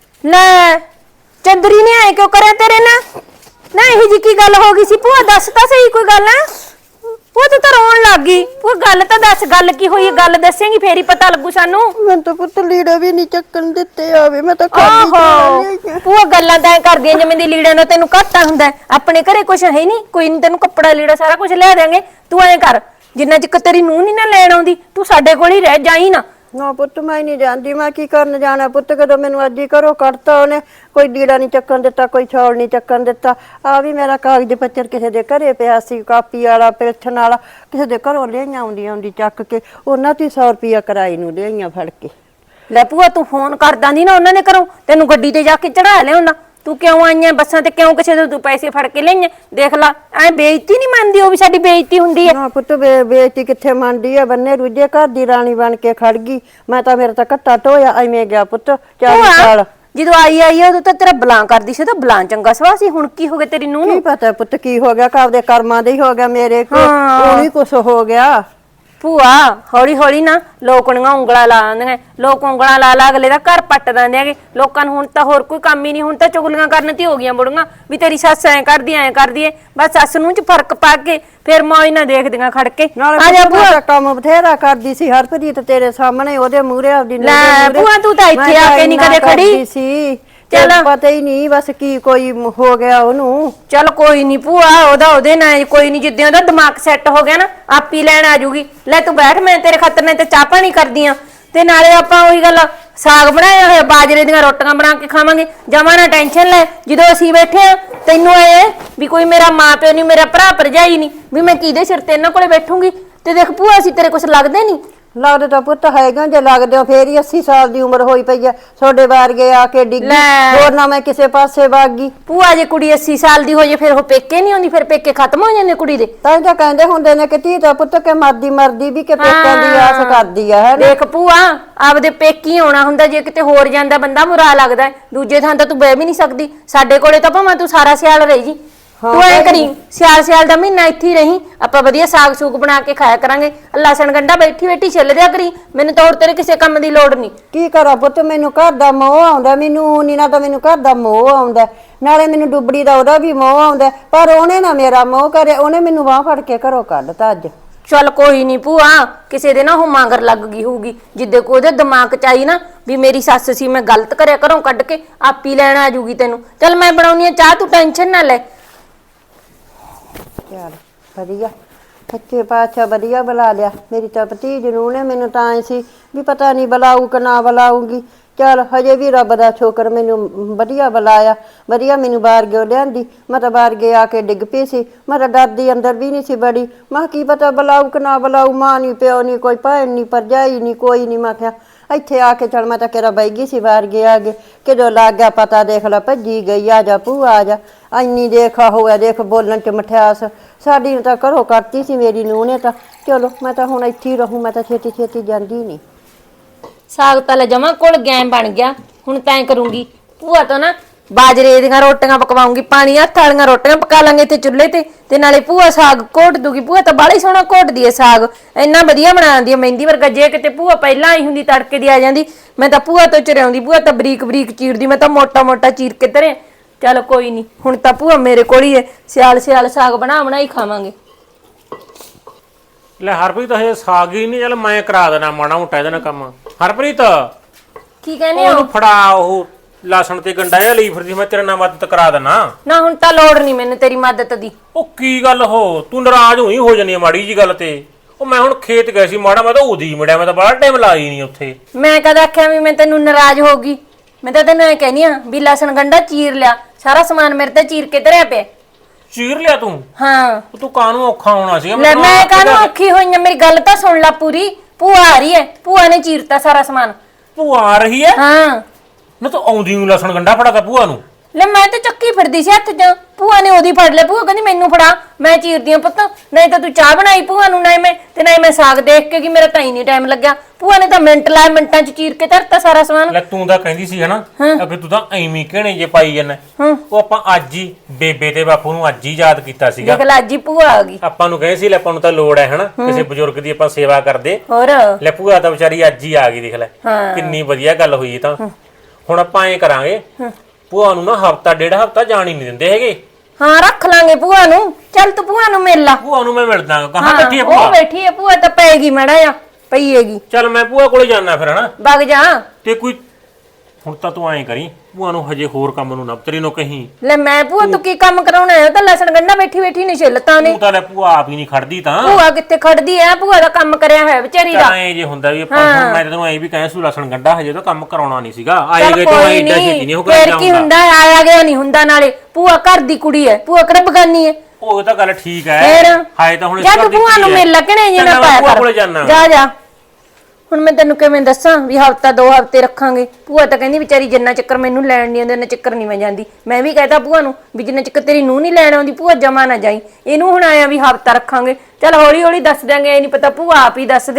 S1: ਲੈ ਚੰਦਰੀ ਨੇ ਆਏ ਕਿਉਂ ਕਰਿਆ ਤੇਰੇ ਨਾਲ? ਨਾ ਇਹ ਜੀ ਕੀ ਗੱਲ ਹੋ ਗਈ ਸੀ ਭੂਆ, ਦੱਸ ਤਾਂ ਸਹੀ ਕੋਈ ਗੱਲ ਹੈ। ਉਹ ਤਾਂ ਰੋਣ ਲੱਗ ਗਈ। ਉਹ ਗੱਲ ਤਾਂ ਦੱਸ, ਗੱਲ ਕੀ ਹੋਈ? ਗੱਲ ਦੱਸੇਂਗੀ ਫੇਰ ਹੀ ਪਤਾ ਲੱਗੂ ਸਾਨੂੰ।
S2: ਮੈਂ ਤਾਂ ਪੁੱਤ ਲੀੜਾ ਵੀ ਨਹੀਂ ਚੱਕਣ ਦਿੱਤੇ ਆਵੇ, ਮੈਂ ਤਾਂ
S1: ਆਹੋ ਉਹ ਗੱਲਾਂ ਤਾਂ ਕਰਦੀਆਂ ਜਿਵੇਂ ਦੀ ਲੀੜਿਆਂ ਦਾ ਤੈਨੂੰ ਘਾਟਾ ਹੁੰਦਾ। ਆਪਣੇ ਘਰੇ ਕੁਛ ਹੈ ਨਹੀਂ, ਕੋਈ ਨਹੀਂ, ਤੈਨੂੰ ਕੱਪੜਾ ਲੀੜਾ ਸਾਰਾ ਕੁਝ ਲਿਆ ਦੇਾਂਗੇ। ਤੂੰ ਐਂ ਕਰ, ਜਿੰਨਾ ਚਿਰ ਤੇਰੀ ਨੂੰਹ ਨਹੀਂ ਨਾ ਲੈਣ ਆਉਂਦੀ, ਤੂੰ ਸਾਡੇ ਕੋਲ ਹੀ ਰਹਿ ਜਾਈ ਨਾ।
S2: ਨਾ ਪੁੱਤ ਮੈਂ ਨਹੀਂ ਜਾਂਦੀ, ਮੈਂ ਕੀ ਕਰਨ ਜਾਣਾ ਪੁੱਤ, ਕਦੋਂ ਮੈਨੂੰ ਅੱਜ ਹੀ ਘਰੋਂ ਕੱਢਤਾ ਉਹਨੇ। ਕੋਈ ਲੀੜਾ ਨਹੀਂ ਚੱਕਣ ਦਿੱਤਾ, ਕੋਈ ਛੌਲ ਨਹੀਂ ਚੱਕਣ ਦਿੱਤਾ। ਆ ਵੀ ਮੇਰਾ ਕਾਗਜ਼ ਪੱਤਰ ਕਿਸੇ ਦੇ ਘਰੇ ਪਿਆ ਸੀ, ਕਾਪੀ ਵਾਲਾ ਪੈਨਸ਼ਨ ਵਾਲਾ, ਕਿਸੇ ਦੇ ਘਰੋਂ ਲਿਆਈਆਂ ਆਉਂਦੀ ਚੱਕ ਕੇ, ਉਹਨਾਂ ਤੇ 100 ਰੁਪਇਆ ਕਿਰਾਏ ਨੂੰ ਲਿਆਈਆਂ ਫੜ ਕੇ।
S1: ਲੈ ਭੂਆ ਤੂੰ ਫੋਨ ਕਰ ਦਾਂਦੀ ਨਾ ਉਹਨਾਂ ਨੇ ਘਰੋਂ, ਤੈਨੂੰ ਗੱਡੀ ਤੇ ਜਾ ਕੇ ਚੜਾ ਲਿਆਉਂਦਾ। ਤੂੰ ਕਿਉਂ ਆਈਆਂ ਬੱਸਾਂ ਤੇ, ਕਿਉਂ ਕਿਸੇ ਤੋਂ ਤੂੰ ਪੈਸੇ ਫੜ ਕੇ ਲਈਆਂ? ਦੇਖ ਲਾ ਐ ਬੇਇੱਜ਼ਤੀ ਨਹੀਂ ਮੰਨਦੀ, ਉਹ ਵੀ ਸਾਡੀ ਬੇਇੱਜ਼ਤੀ ਹੁੰਦੀ ਹੈ।
S2: ਨਾ ਪੁੱਤ ਬੇਇੱਜ਼ਤੀ ਕਿੱਥੇ ਮੰਨਦੀ ਆ, ਬੰਨੇ ਰੁੱਝੇ ਘਰ ਦੀ ਰਾਣੀ ਬਣ ਕੇ ਖੜ ਗਈ। ਮੈਂ ਤਾਂ ਮੇਰਾ ਤਾਂ ਘੱਟਾ ਢੋਇਆ ਐਵੇਂ ਗਿਆ ਪੁੱਤ 40 ਸਾਲ।
S1: ਜਦੋਂ ਆਈ ਉਦੋਂ ਤਾਂ ਤੇਰਾ ਬਲਾਂ ਕਰਦੀ ਸੀ, ਤਾਂ ਬਲਾਂ ਚੰਗਾ ਸਵਾ ਸੀ। ਹੁਣ ਕੀ ਹੋ ਗਿਆ ਤੇਰੀ ਨੂੰਹ ਨੂੰ?
S2: ਕੀ ਪਤਾ ਪੁੱਤ ਕੀ ਹੋ ਗਿਆ, ਘਰ ਦੇ ਕਰਮਾਂ ਦੇ ਹੀ ਹੋ ਗਿਆ, ਮੇਰੇ ਕੋਲ ਹੀ ਕੁਛ ਹੋ ਗਿਆ।
S1: ਭੂਆ ਹੌਲੀ ਹੌਲੀ ਨਾ ਲੋਕਣੀਆਂ ਉਂਗਲਾਂ ਲਾ ਆਂਦੀਆਂ, ਲੋਕ ਉਂਗਲਾਂ ਲਾ ਲਾ ਅਗਲੇ ਦਾ ਘਰ ਪੱਟ ਦਿੰਦੇ ਹੈਗੇ। ਲੋਕਾਂ ਨੂੰ ਹੁਣ ਤਾਂ ਹੋਰ ਕੋਈ ਕੰਮ ਹੀ ਨਹੀਂ, ਹੁਣ ਤਾਂ ਚੁਗਲੀਆਂ ਕਰਨ ਤੇ ਹੋ ਗਈਆਂ ਬੁੜੀਆਂ ਵੀ ਤੇਰੀ ਸੱਸ ਐ ਕਰਦੀ ਐ। ਬਸ ਸੱਸ ਨੂੰ ਚ ਫਰਕ ਪਾ ਕੇ ਫਿਰ ਮੌਜ ਨਾ ਦੇਖਦੀਆਂ ਖੜ ਕੇ।
S2: ਆ ਜਾ ਭੂਆ, ਕੰਮ ਬਥੇਰਾ ਕਰਦੀ ਸੀ ਹਰਪ੍ਰੀਤ ਤੇਰੇ ਸਾਹਮਣੇ, ਉਹਦੇ ਮੂਹਰੇ ਆਪਦੀ ਨੂੰ
S1: ਲੈ ਭੂਆ ਤੂੰ ਤਾਂ ਇੱਥੇ ਆ ਕੇ ਨਹੀਂ ਕਦੇ ਖੜੀ
S2: ਸੀ।
S1: ਚੱਲ
S2: ਪਤਾ ਹੀ ਨਹੀਂ ਬਸ ਕੀ ਕੋਈ ਹੋ ਗਿਆ ਉਹਨੂੰ।
S1: ਚੱਲ ਕੋਈ ਨਹੀਂ ਭੂਆ, ਉਹਦੇ ਨਾਲ ਕੋਈ ਨਹੀਂ, ਜਿੱਦਾਂ ਉਹਦਾ ਦਿਮਾਗ ਸੈੱਟ ਹੋ ਗਿਆ ਨਾ ਆਪੀ ਲੈਣ ਆ ਜੂਗੀ। ਲੈ ਤੂੰ ਬੈਠ, ਮੈਂ ਤੇਰੇ ਖਾਤਰ ਨੇ ਤੇ ਚਾਹ ਪਾਣੀ ਕਰਦੀ ਆ, ਤੇ ਨਾਲੇ ਆਪਾਂ ਉਹੀ ਗੱਲ ਸਾਗ ਬਣਾਇਆ ਹੋਇਆ, ਬਾਜਰੇ ਦੀਆਂ ਰੋਟੀਆਂ ਬਣਾ ਕੇ ਖਾਵਾਂਗੇ। ਜਮਾ ਨਾ ਟੈਨਸ਼ਨ ਲੈ, ਜਦੋਂ ਅਸੀਂ ਬੈਠੇ ਆ ਤੈਨੂੰ ਇਹ ਵੀ ਕੋਈ ਮੇਰਾ ਮਾਂ ਪਿਓ ਨਹੀਂ, ਮੇਰਾ ਭਰਾ ਭਰਜਾਈ ਨਹੀਂ, ਵੀ ਮੈਂ ਕਿਹਦੇ ਸਿਰ ਤੇ ਇਹਨਾਂ ਕੋਲੇ ਬੈਠੂੰਗੀ। ਤੇ ਦੇਖ ਭੂਆ ਅਸੀਂ ਤੇਰੇ ਕੁਛ ਲੱਗਦੇ ਨਹੀਂ।
S2: ਲੱਗਦੇ ਤਾਂ ਪੁੱਤ ਹੈਗਾ, ਜੇ ਲੱਗਦੇ ਹੋ ਫੇਰ ਹੀ 80 ਸਾਲ ਦੀ ਉਮਰ ਹੋਈ ਪਈ ਆ। ਤੁਹਾਡੇ ਵਾਰਗੇ ਆ ਕੇ ਡਿੱਗੀ,
S1: ਲੈ।
S2: ਹੋਰ ਨਾ ਮੈਂ ਕਿਸੇ ਪਾਸੇ ਵਗ ਗਈ।
S1: ਭੂਆ ਜੇ ਕੁੜੀ 80 ਸਾਲ ਦੀ ਹੋ ਜੇ ਫਿਰ ਉਹ ਪੇਕੇ ਨਹੀਂ ਆਉਂਦੀ, ਫਿਰ ਪੇਕੇ ਖਤਮ ਹੋ ਜਾਂਦੇ ਕੁੜੀ ਦੇ।
S2: ਤਾਂ ਹੀ ਤਾਂ ਕਹਿੰਦੇ ਹੁੰਦੇ ਨੇ ਕਿ ਧੀ ਤਾਂ ਪੁੱਤ ਕੇ ਮਰਦੀ ਵੀ ਕਿ ਪੇਕਿਆਂ ਦੀ ਆਸ ਕਰਦੀ ਆ ਹੈ।
S1: ਦੇਖ ਭੂਆ ਆਪਦੇ ਪੇਕੀ ਆਉਣਾ ਹੁੰਦਾ, ਜੇ ਕਿਤੇ ਹੋਰ ਜਾਂਦਾ ਬੰਦਾ ਬੁਰਾ ਲੱਗਦਾ ਹੈ। ਦੂਜੇ ਥਾਂ ਤਾਂ ਤੂੰ ਬਹਿ ਵੀ ਨਹੀਂ ਸਕਦੀ, ਸਾਡੇ ਕੋਲੇ ਤਾਂ ਭਾਵੇਂ ਤੂੰ ਸਾਰਾ ਸਿਆਲ ਰਹੀ ਜੀ। ਤੂੰ ਐ ਕਰੀ ਸਿਆਲ ਦਾ ਮਹੀਨਾ ਇੱਥੇ ਹੀ ਰਹੀਂ, ਆਪਾਂ ਵਧੀਆ ਸਾਗ ਸੂਗ ਬਣਾ ਕੇ ਖਾਇਆ ਕਰਾਂਗੇ। ਲਸਣ ਗੰਢਾ ਬੈਠੀ ਬੈਠੀ ਛਿੱਲ ਦਿਆ ਕਰੀ, ਮੈਨੂੰ ਤਾਂ ਹੋਰ ਤੇਰੇ ਕਿਸੇ ਕੰਮ ਦੀ ਲੋੜ ਨਹੀਂ।
S2: ਕੀ ਕਰਾਂ ਪੁੱਤ, ਮੈਨੂੰ ਘਰ ਦਾ ਮੋਹ ਆਉਂਦਾ, ਮੈਨੂੰ ਨੀ ਨਾ ਤਾਂ ਮੈਨੂੰ ਘਰ ਦਾ ਮੋਹ ਆਉਂਦਾ, ਨਾਲੇ ਮੈਨੂੰ ਡੁੱਬੜੀ ਦਾ ਉਹਦਾ ਵੀ ਮੋਹ ਆਉਂਦਾ। ਪਰ ਉਹਨੇ ਨਾ ਮੇਰਾ ਮੋਹ ਕਰੇ, ਉਹਨੇ ਮੈਨੂੰ ਬਾਂਹ ਫੜ ਕੇ ਘਰੋਂ ਕੱਢਤਾ ਅੱਜ।
S1: ਚੱਲ ਕੋਈ ਨਹੀਂ ਭੂਆ, ਕਿਸੇ ਦੇ ਨਾ ਉਹ ਮਾਂਗਰ ਲੱਗ ਗਈ ਹੋਊਗੀ, ਜਿੱਦੇ ਕੋ ਉਹਦੇ ਦਿਮਾਗ ਚ ਆਈ ਨਾ ਵੀ ਮੇਰੀ ਸੱਸ ਸੀ, ਮੈਂ ਗਲਤ ਕਰਿਆ, ਘਰੋਂ ਕੱਢ ਕੇ ਆਪੀ ਲੈਣ ਆ ਜੂਗੀ ਤੈਨੂੰ। ਚੱਲ ਮੈਂ ਬਣਾਉਣੀ ਆ ਚਾਹ, ਤੂੰ ਟੈਨਸ਼ਨ ਨਾ ਲੈ।
S2: ਚੱਲ ਵਧੀਆ, ਸੱਚੇ ਪਾਤਸ਼ਾਹ ਵਧੀਆ ਬੁਲਾ ਲਿਆ। ਮੇਰੀ ਤਾਂ ਭਤੀਜ ਨੂੰ ਨੇ ਮੈਨੂੰ ਤਾਂ ਐ ਸੀ ਵੀ ਪਤਾ ਨਹੀਂ ਬੁਲਾਊ ਕਿ ਨਾ ਬੁਲਾਊਗੀ। ਚੱਲ ਹਜੇ ਵੀ ਰੱਬ ਦਾ ਸ਼ੁਕਰ, ਮੈਨੂੰ ਵਧੀਆ ਬੁਲਾਇਆ, ਵਧੀਆ ਮੈਨੂੰ ਬਾਹਰ ਲਿਆਂਦੀ। ਮੈਂ ਤਾਂ ਬਾਹਰ ਆ ਕੇ ਡਿੱਗ ਪਈ ਸੀ, ਮੈਂ ਤਾਂ ਡਰਦੀ ਅੰਦਰ ਵੀ ਨਹੀਂ ਸੀ ਬੜੀ। ਮੈਂ ਕੀ ਪਤਾ ਬੁਲਾਊ ਕਿ ਨਾ ਬੁਲਾਊ, ਮਾਂ ਨਹੀਂ ਪਿਓ ਨਹੀਂ ਕੋਈ ਭੈਣ ਨਹੀਂ ਭਰਜਾਈ ਨਹੀਂ ਕੋਈ ਨਹੀਂ। ਮੈਂ ਕਿਹਾ ਇੱਥੇ ਆ ਕੇ ਚੱਲ ਮੈਂ ਤਾਂ ਕਿਹੜਾ ਬਹਿ ਗਈ ਸੀ ਬਾਹਰ ਆ ਗਏ, ਕਿਦੋਂ ਲੱਗ ਗਿਆ ਪਤਾ, ਦੇਖ ਲੈ ਭੱਜੀ ਗਈ, ਆ ਜਾ ਭੂਆ ਆ ਜਾ। ਇੰਨੀ ਦੇਖਾ ਹੋਇਆ, ਦੇਖ ਬੋਲਣ ਚ ਮਠਿਆਸ, ਸਾਡੀ ਨੂੰ ਤਾਂ ਘਰੋਂ ਕੱਢਤੀ ਸੀ ਮੇਰੀ ਨੂੰਹ ਨੇ ਤਾਂ। ਚਲੋ ਮੈਂ ਤਾਂ ਹੁਣ ਇੱਥੇ ਹੀ ਰਹੂੰ, ਮੈਂ ਤਾਂ ਛੇਤੀ ਛੇਤੀ ਜਾਂਦੀ ਨਹੀਂ।
S1: ਸਾਗ ਤਾਂ ਲੈ ਜਮਾ ਕੋਲ ਗੈਮ ਬਣ ਗਿਆ, ਹੁਣ ਤੈਂ ਕਰੂੰਗੀ ਭੂਆ ਤੋਂ ਨਾ ਬਾਜਰੇ ਦੀਆਂ ਰੋਟੀਆਂ ਪਕਵਾਉਂਗੀ, ਪਾਣੀ ਹੱਥ ਵਾਲੀਆਂ ਰੋਟੀਆਂ ਪਕਾ ਲਾਂਗੇ ਤੇ ਚੁੱਲ੍ਹੇ ਤੇ ਨਾਲੇ ਭੂਆ ਸਾਗ ਘੋਟ ਦੂਗੀ। ਭੂਆ ਤਾਂ ਬਾਹਲਾ ਹੀ ਸੋਹਣਾ ਘੋਟਦੀ ਹੈ ਸਾਗ, ਇੰਨਾ ਵਧੀਆ ਬਣਾਉਂਦੀ ਹੈ ਮਹਿੰਦੀ ਵਰਗਾ। ਜੇ ਕਿਤੇ ਭੂਆ ਪਹਿਲਾਂ ਆਈ ਹੁੰਦੀ ਤੜਕੇ ਦੀ ਆ ਜਾਂਦੀ, ਮੈਂ ਤਾਂ ਭੂਆ ਤੋਂ ਚਰਿਆਉਂਦੀ। ਭੂਆ ਤਾਂ ਬਰੀਕ ਬਰੀਕ ਚੀਰਦੀ, ਮੈਂ ਤਾਂ ਮੋਟਾ ਮੋਟਾ ਚੀਰ ਕੇ ਧਰਿਆ। ਚੱਲ ਕੋਈ ਨਹੀਂ, ਹੁਣ ਤਾਂ ਭੂਆ ਮੇਰੇ ਕੋਲ ਹੀ ਹੈ, ਸਿਆਲ ਸਾਗ ਬਣਾ ਹੀ ਖਾਵਾਂਗੇ।
S3: ਲੈ ਹਰਪ੍ਰੀਤ ਹਜੇ ਸਾਗ ਹੀ ਨਹੀਂ, ਚੱਲ ਮੈਂ ਕਰਾ ਦੇਣਾ ਮਾੜਾ ਮੋਟਾ ਇਹਦੇ ਨਾਲ ਕੰਮ। ਹਰਪ੍ਰੀਤ
S1: ਕੀ ਕਹਿੰਦੇ ਹੋ?
S3: ਉਹਨੂੰ ਫੜਾ, ਉਹ ਲਸਣ ਤੇ ਗੰਡਾ ਜਿਹਾ ਲਈ ਫਿਰਦੀ, ਮੈਂ ਤੇਰੇ ਨਾਲ ਮਦਦ ਕਰਾ ਦੇਣਾ।
S1: ਨਾ ਹੁਣ ਤਾਂ ਲੋੜ ਨਹੀਂ ਮੈਨੂੰ ਤੇਰੀ ਮਦਦ ਦੀ।
S3: ਉਹ ਕੀ ਗੱਲ ਹੋ, ਤੂੰ ਨਾਰਾਜ਼ ਹੋਈ ਹੋ ਜਾਨੀ ਆ ਮਾੜੀ ਜੀ ਗੱਲ ਤੇ। ਉਹ ਮੈਂ ਹੁਣ ਖੇਤ ਗਿਆ ਸੀ ਮਾੜਾ, ਮੈਂ ਤਾਂ ਉਦੀ ਮਿਲਿਆ, ਮੈਂ ਤਾਂ ਬੜਾ ਟਾਈਮ ਲਾਈ ਨਹੀਂ ਉੱਥੇ।
S1: ਮੈਂ ਕਦ ਆਖਿਆ ਵੀ ਮੈਂ ਤੈਨੂੰ ਨਾਰਾਜ਼ ਹੋਗੀ? ਮੈਂ ਤਾਂ ਤੈਨੂੰ ਇਹ ਕਹਿਨੀ ਆ ਵੀ ਲਸਣ ਗੰਡਾ ਚੀਰ ਲਿਆ, ਸਾਰਾ ਸਮਾਨ ਮੇਰੇ ਤੇ ਚੀਰ ਕੇ ਧਰਿਆ ਪਿਆ।
S3: ਚੀਰ ਲਿਆ ਤੂੰ?
S1: ਹਾਂ।
S3: ਤੂੰ ਕਾਹਨੂੰ ਔਖਾ ਹੋਣਾ ਸੀ?
S1: ਲੈ ਮੈਂ ਕਾਹਨੂੰ ਔਖੀ ਹੋਈ ਆ, ਮੇਰੀ ਗੱਲ ਤਾਂ ਸੁਣ ਲੈ ਪੂਰੀ। ਭੂਆ ਆ ਰਹੀ ਹੈ, ਭੂਆ ਨੇ ਚੀਰਤਾ ਸਾਰਾ ਸਮਾਨ।
S3: ਭੂਆ ਆ ਰਹੀ ਹੈ?
S1: ਹਾਂ।
S3: ਨਾ ਤੂੰ ਆਉਂਦੀ ਨੂੰ ਲਸਣ ਗੰਡਾ ਫੜਾਤਾ ਭੂਆ ਨੂੰ?
S1: ਲੈ ਮੈਂ ਤਾਂ ਚੱਕੀ ਫਿਰਦੀ ਸੀ ਹੱਥ 'ਚ, ਭੂਆ ਨੇ ਉਹਦੀ ਫੜ ਲਿਆ। ਭੂਆ ਕਹਿੰਦੀ ਮੈਨੂੰ ਫੜਾ, ਮੈਂ ਚੀਰਦੀ ਆ ਪੁੱਤ। ਨਹੀਂ ਤਾਂ ਤੂੰ ਚਾਹ ਬਣਾਈ ਭੂਆ ਨੂੰ, ਨਹੀਂ ਮੈਂ ਸਾਗ ਦੇਖ ਕੇ ਕਿ ਮੇਰਾ ਤਾਂ ਹੀ ਨਹੀਂ ਟਾਈਮ ਲੱਗਿਆ। ਭੂਆ ਨੇ ਤਾਂ ਮਿੰਟ ਲਾਏ, ਮਿੰਟਾਂ 'ਚ ਚੀਰ ਕੇ ਧਰਤਾ ਸਾਰਾ ਸਮਾਨ।
S3: ਲੈ ਤੂੰ ਤਾਂ ਕਹਿੰਦੀ ਸੀ ਹਨਾ ਅੱਗੇ, ਤੂੰ ਤਾਂ ਐਵੇਂ ਘਣੇ ਜੇ ਪਾਈ ਜਾਂਦਾ। ਉਹ ਆਪਾਂ ਅੱਜ ਹੀ ਬੇਬੇ ਤੇ ਬਾਪੂ ਨੂੰ ਅੱਜ ਹੀ ਯਾਦ ਕੀਤਾ ਸੀਗਾ।
S1: ਦੇਖ ਲੈ ਅੱਜ ਹੀ ਭੂਆ ਆ ਗਈ।
S3: ਆਪਾਂ ਨੂੰ ਕਹੇ ਸੀ ਲੈ ਆਪਾਂ ਨੂੰ ਤਾਂ ਲੋੜ ਹੈ ਹਨਾ ਕਿਸੇ ਬਜ਼ੁਰਗ ਦੀ, ਆਪਾਂ ਸੇਵਾ ਕਰਦੇ।
S1: ਹੋਰ
S3: ਲੈ ਭੂਆ ਤਾਂ ਵਿਚਾਰੀ ਅੱਜ ਹੀ ਆ ਗਈ, ਦੇਖ ਲੈ ਕਿੰਨੀ ਵਧੀਆ ਗੱਲ ਹੋਈ। ਤਾਂ ਹੁਣ ਆਪਾਂ ਐਂ ਕਰਾਂਗੇ, ਭੂਆ ਨੂੰ ਨਾ ਹਫਤਾ ਡੇਢ ਹਫਤਾ ਜਾਣ ਹੀ ਨਹੀਂ ਦਿੰਦੇ ਹੈਗੇ।
S1: ਹਾਂ ਰੱਖ ਲਾਂਗੇ ਭੂਆ ਨੂੰ। ਚੱਲ ਤੂੰ ਭੂਆ ਨੂੰ ਮਿਲ ਲਾ।
S3: ਭੂਆ ਨੂੰ ਮੈਂ ਮਿਲਦਾ, ਕਹਾਂ ਬੈਠੀ ਹੈ
S1: ਉਹ
S3: ਭੂਆ?
S1: ਬੈਠੀ ਹੈ ਭੂਆ, ਤਾਂ ਪਏਗੀ ਮਾੜਾ ਆ, ਪਈ ਹੈਗੀ।
S3: ਚੱਲ ਮੈਂ ਭੂਆ ਕੋਲੇ ਜਾਣਾ ਫਿਰ ਹਨਾ।
S1: ਵਗ ਜਾ।
S3: ਤੇ ਕੋਈ ਹੁਣ ਤਾਂ ਤੂੰ ਐਂ ਕਰੀ, ਭੂਆ ਨੂੰ ਹਜੇ ਹੋਰ ਕੰਮ ਨੂੰ ਨਾ ਤੇਰੀ ਨੂੰ ਕਹੀਂ।
S1: ਲੈ ਮੈਂ ਭੂਆ ਤੂੰ ਕੀ ਕੰਮ ਕਰਾਉਣਾ ਹੈ? ਉਹ ਤਾਂ ਲਸਣ ਗੰਢਾ ਬੈਠੀ ਨਹੀਂ ਛਿੱਲਤਾ ਨੇ।
S3: ਤੂੰ ਤਾਂ ਲੈ ਭੂਆ ਆਪ ਹੀ ਨਹੀਂ ਖੜਦੀ ਤਾਂ।
S1: ਭੂਆ ਕਿੱਥੇ ਖੜਦੀ ਐ? ਭੂਆ ਦਾ ਕੰਮ ਕਰਿਆ ਹੋਇਆ ਵਿਚਾਰੀ ਦਾ।
S3: ਐਂ ਜੇ ਹੁੰਦਾ ਵੀ ਆਪਾਂ ਹੁਣ ਮੈਂ ਤੈਨੂੰ ਐਂ ਵੀ ਕਹਾਂ ਸੂ ਲਸਣ ਗੰਢਾ ਹਜੇ ਤਾਂ ਕੰਮ ਕਰਾਉਣਾ ਨਹੀਂ ਸੀਗਾ। ਆਏ ਗਏ ਤਾਂ ਐਂ ਏਡਾ ਛੇਤੀ ਨਹੀਂ ਉਹ ਕਰ
S1: ਫੇਰ ਕੀ ਹੁੰਦਾ, ਆਇਆ ਗਿਆ ਨਹੀਂ ਹੁੰਦਾ। ਨਾਲੇ ਭੂਆ ਘਰ ਦੀ ਕੁੜੀ ਐ, ਭੂਆ ਕਿਹੜਾ ਬਗਾਨੀ ਐ।
S3: ਉਹ ਤਾਂ ਗੱਲ ਠੀਕ ਐ।
S1: ਫੇਰ
S3: ਹਾਏ ਤਾਂ ਹੁਣ
S1: ਜਦ ਭੂਆ ਨੂੰ ਮਿਲ ਲੱਗਣੇ ਜੇ ਨਾ ਪਾਇਆ
S3: ਭੂਆ
S1: ਕਰ।
S3: ਕੋਲੇ ਜਾਣਾ।
S1: ਜਾ ਹੁਣ ਮੈਂ ਤੈਨੂੰ ਕਿਵੇਂ ਦੱਸਾਂ ਵੀ ਹਫਤਾ 2 ਹਫਤੇ ਰੱਖਾਂਗੇ। ਭੂਆ ਤਾਂ ਕਹਿੰਦੀ ਵਿਚਾਰੀ ਜਿੰਨਾ ਚੱਕਰ ਮੈਨੂੰ ਲੈਣ ਨਹੀਂ ਆਉਂਦੇ ਉਹਨਾਂ ਚੱਕਰ ਨਹੀਂ ਮੈਂ ਜਾਂਦੀ। ਮੈਂ ਵੀ ਕਹਿਤਾ ਭੂਆ ਨੂੰ ਵੀ ਜਿੰਨਾ ਚੱਕਰ ਤੇਰੀ ਨੂੰਹ ਨਹੀਂ ਲੈਣ ਆਉਂਦੀ ਭੂਆ ਜਮਾ ਨਾ ਜਾਈ। ਇਹਨੂੰ ਹੁਣ ਆਇਆ ਵੀ ਹਫਤਾ ਰੱਖਾਂਗੇ। ਚੱਲ ਹੌਲੀ ਹੌਲੀ ਦੱਸ ਦਿਆਂਗੇ, ਇਹ ਨਹੀਂ ਪਤਾ ਭੂਆ ਆਪ ਹੀ ਦੱਸ ਦੇ।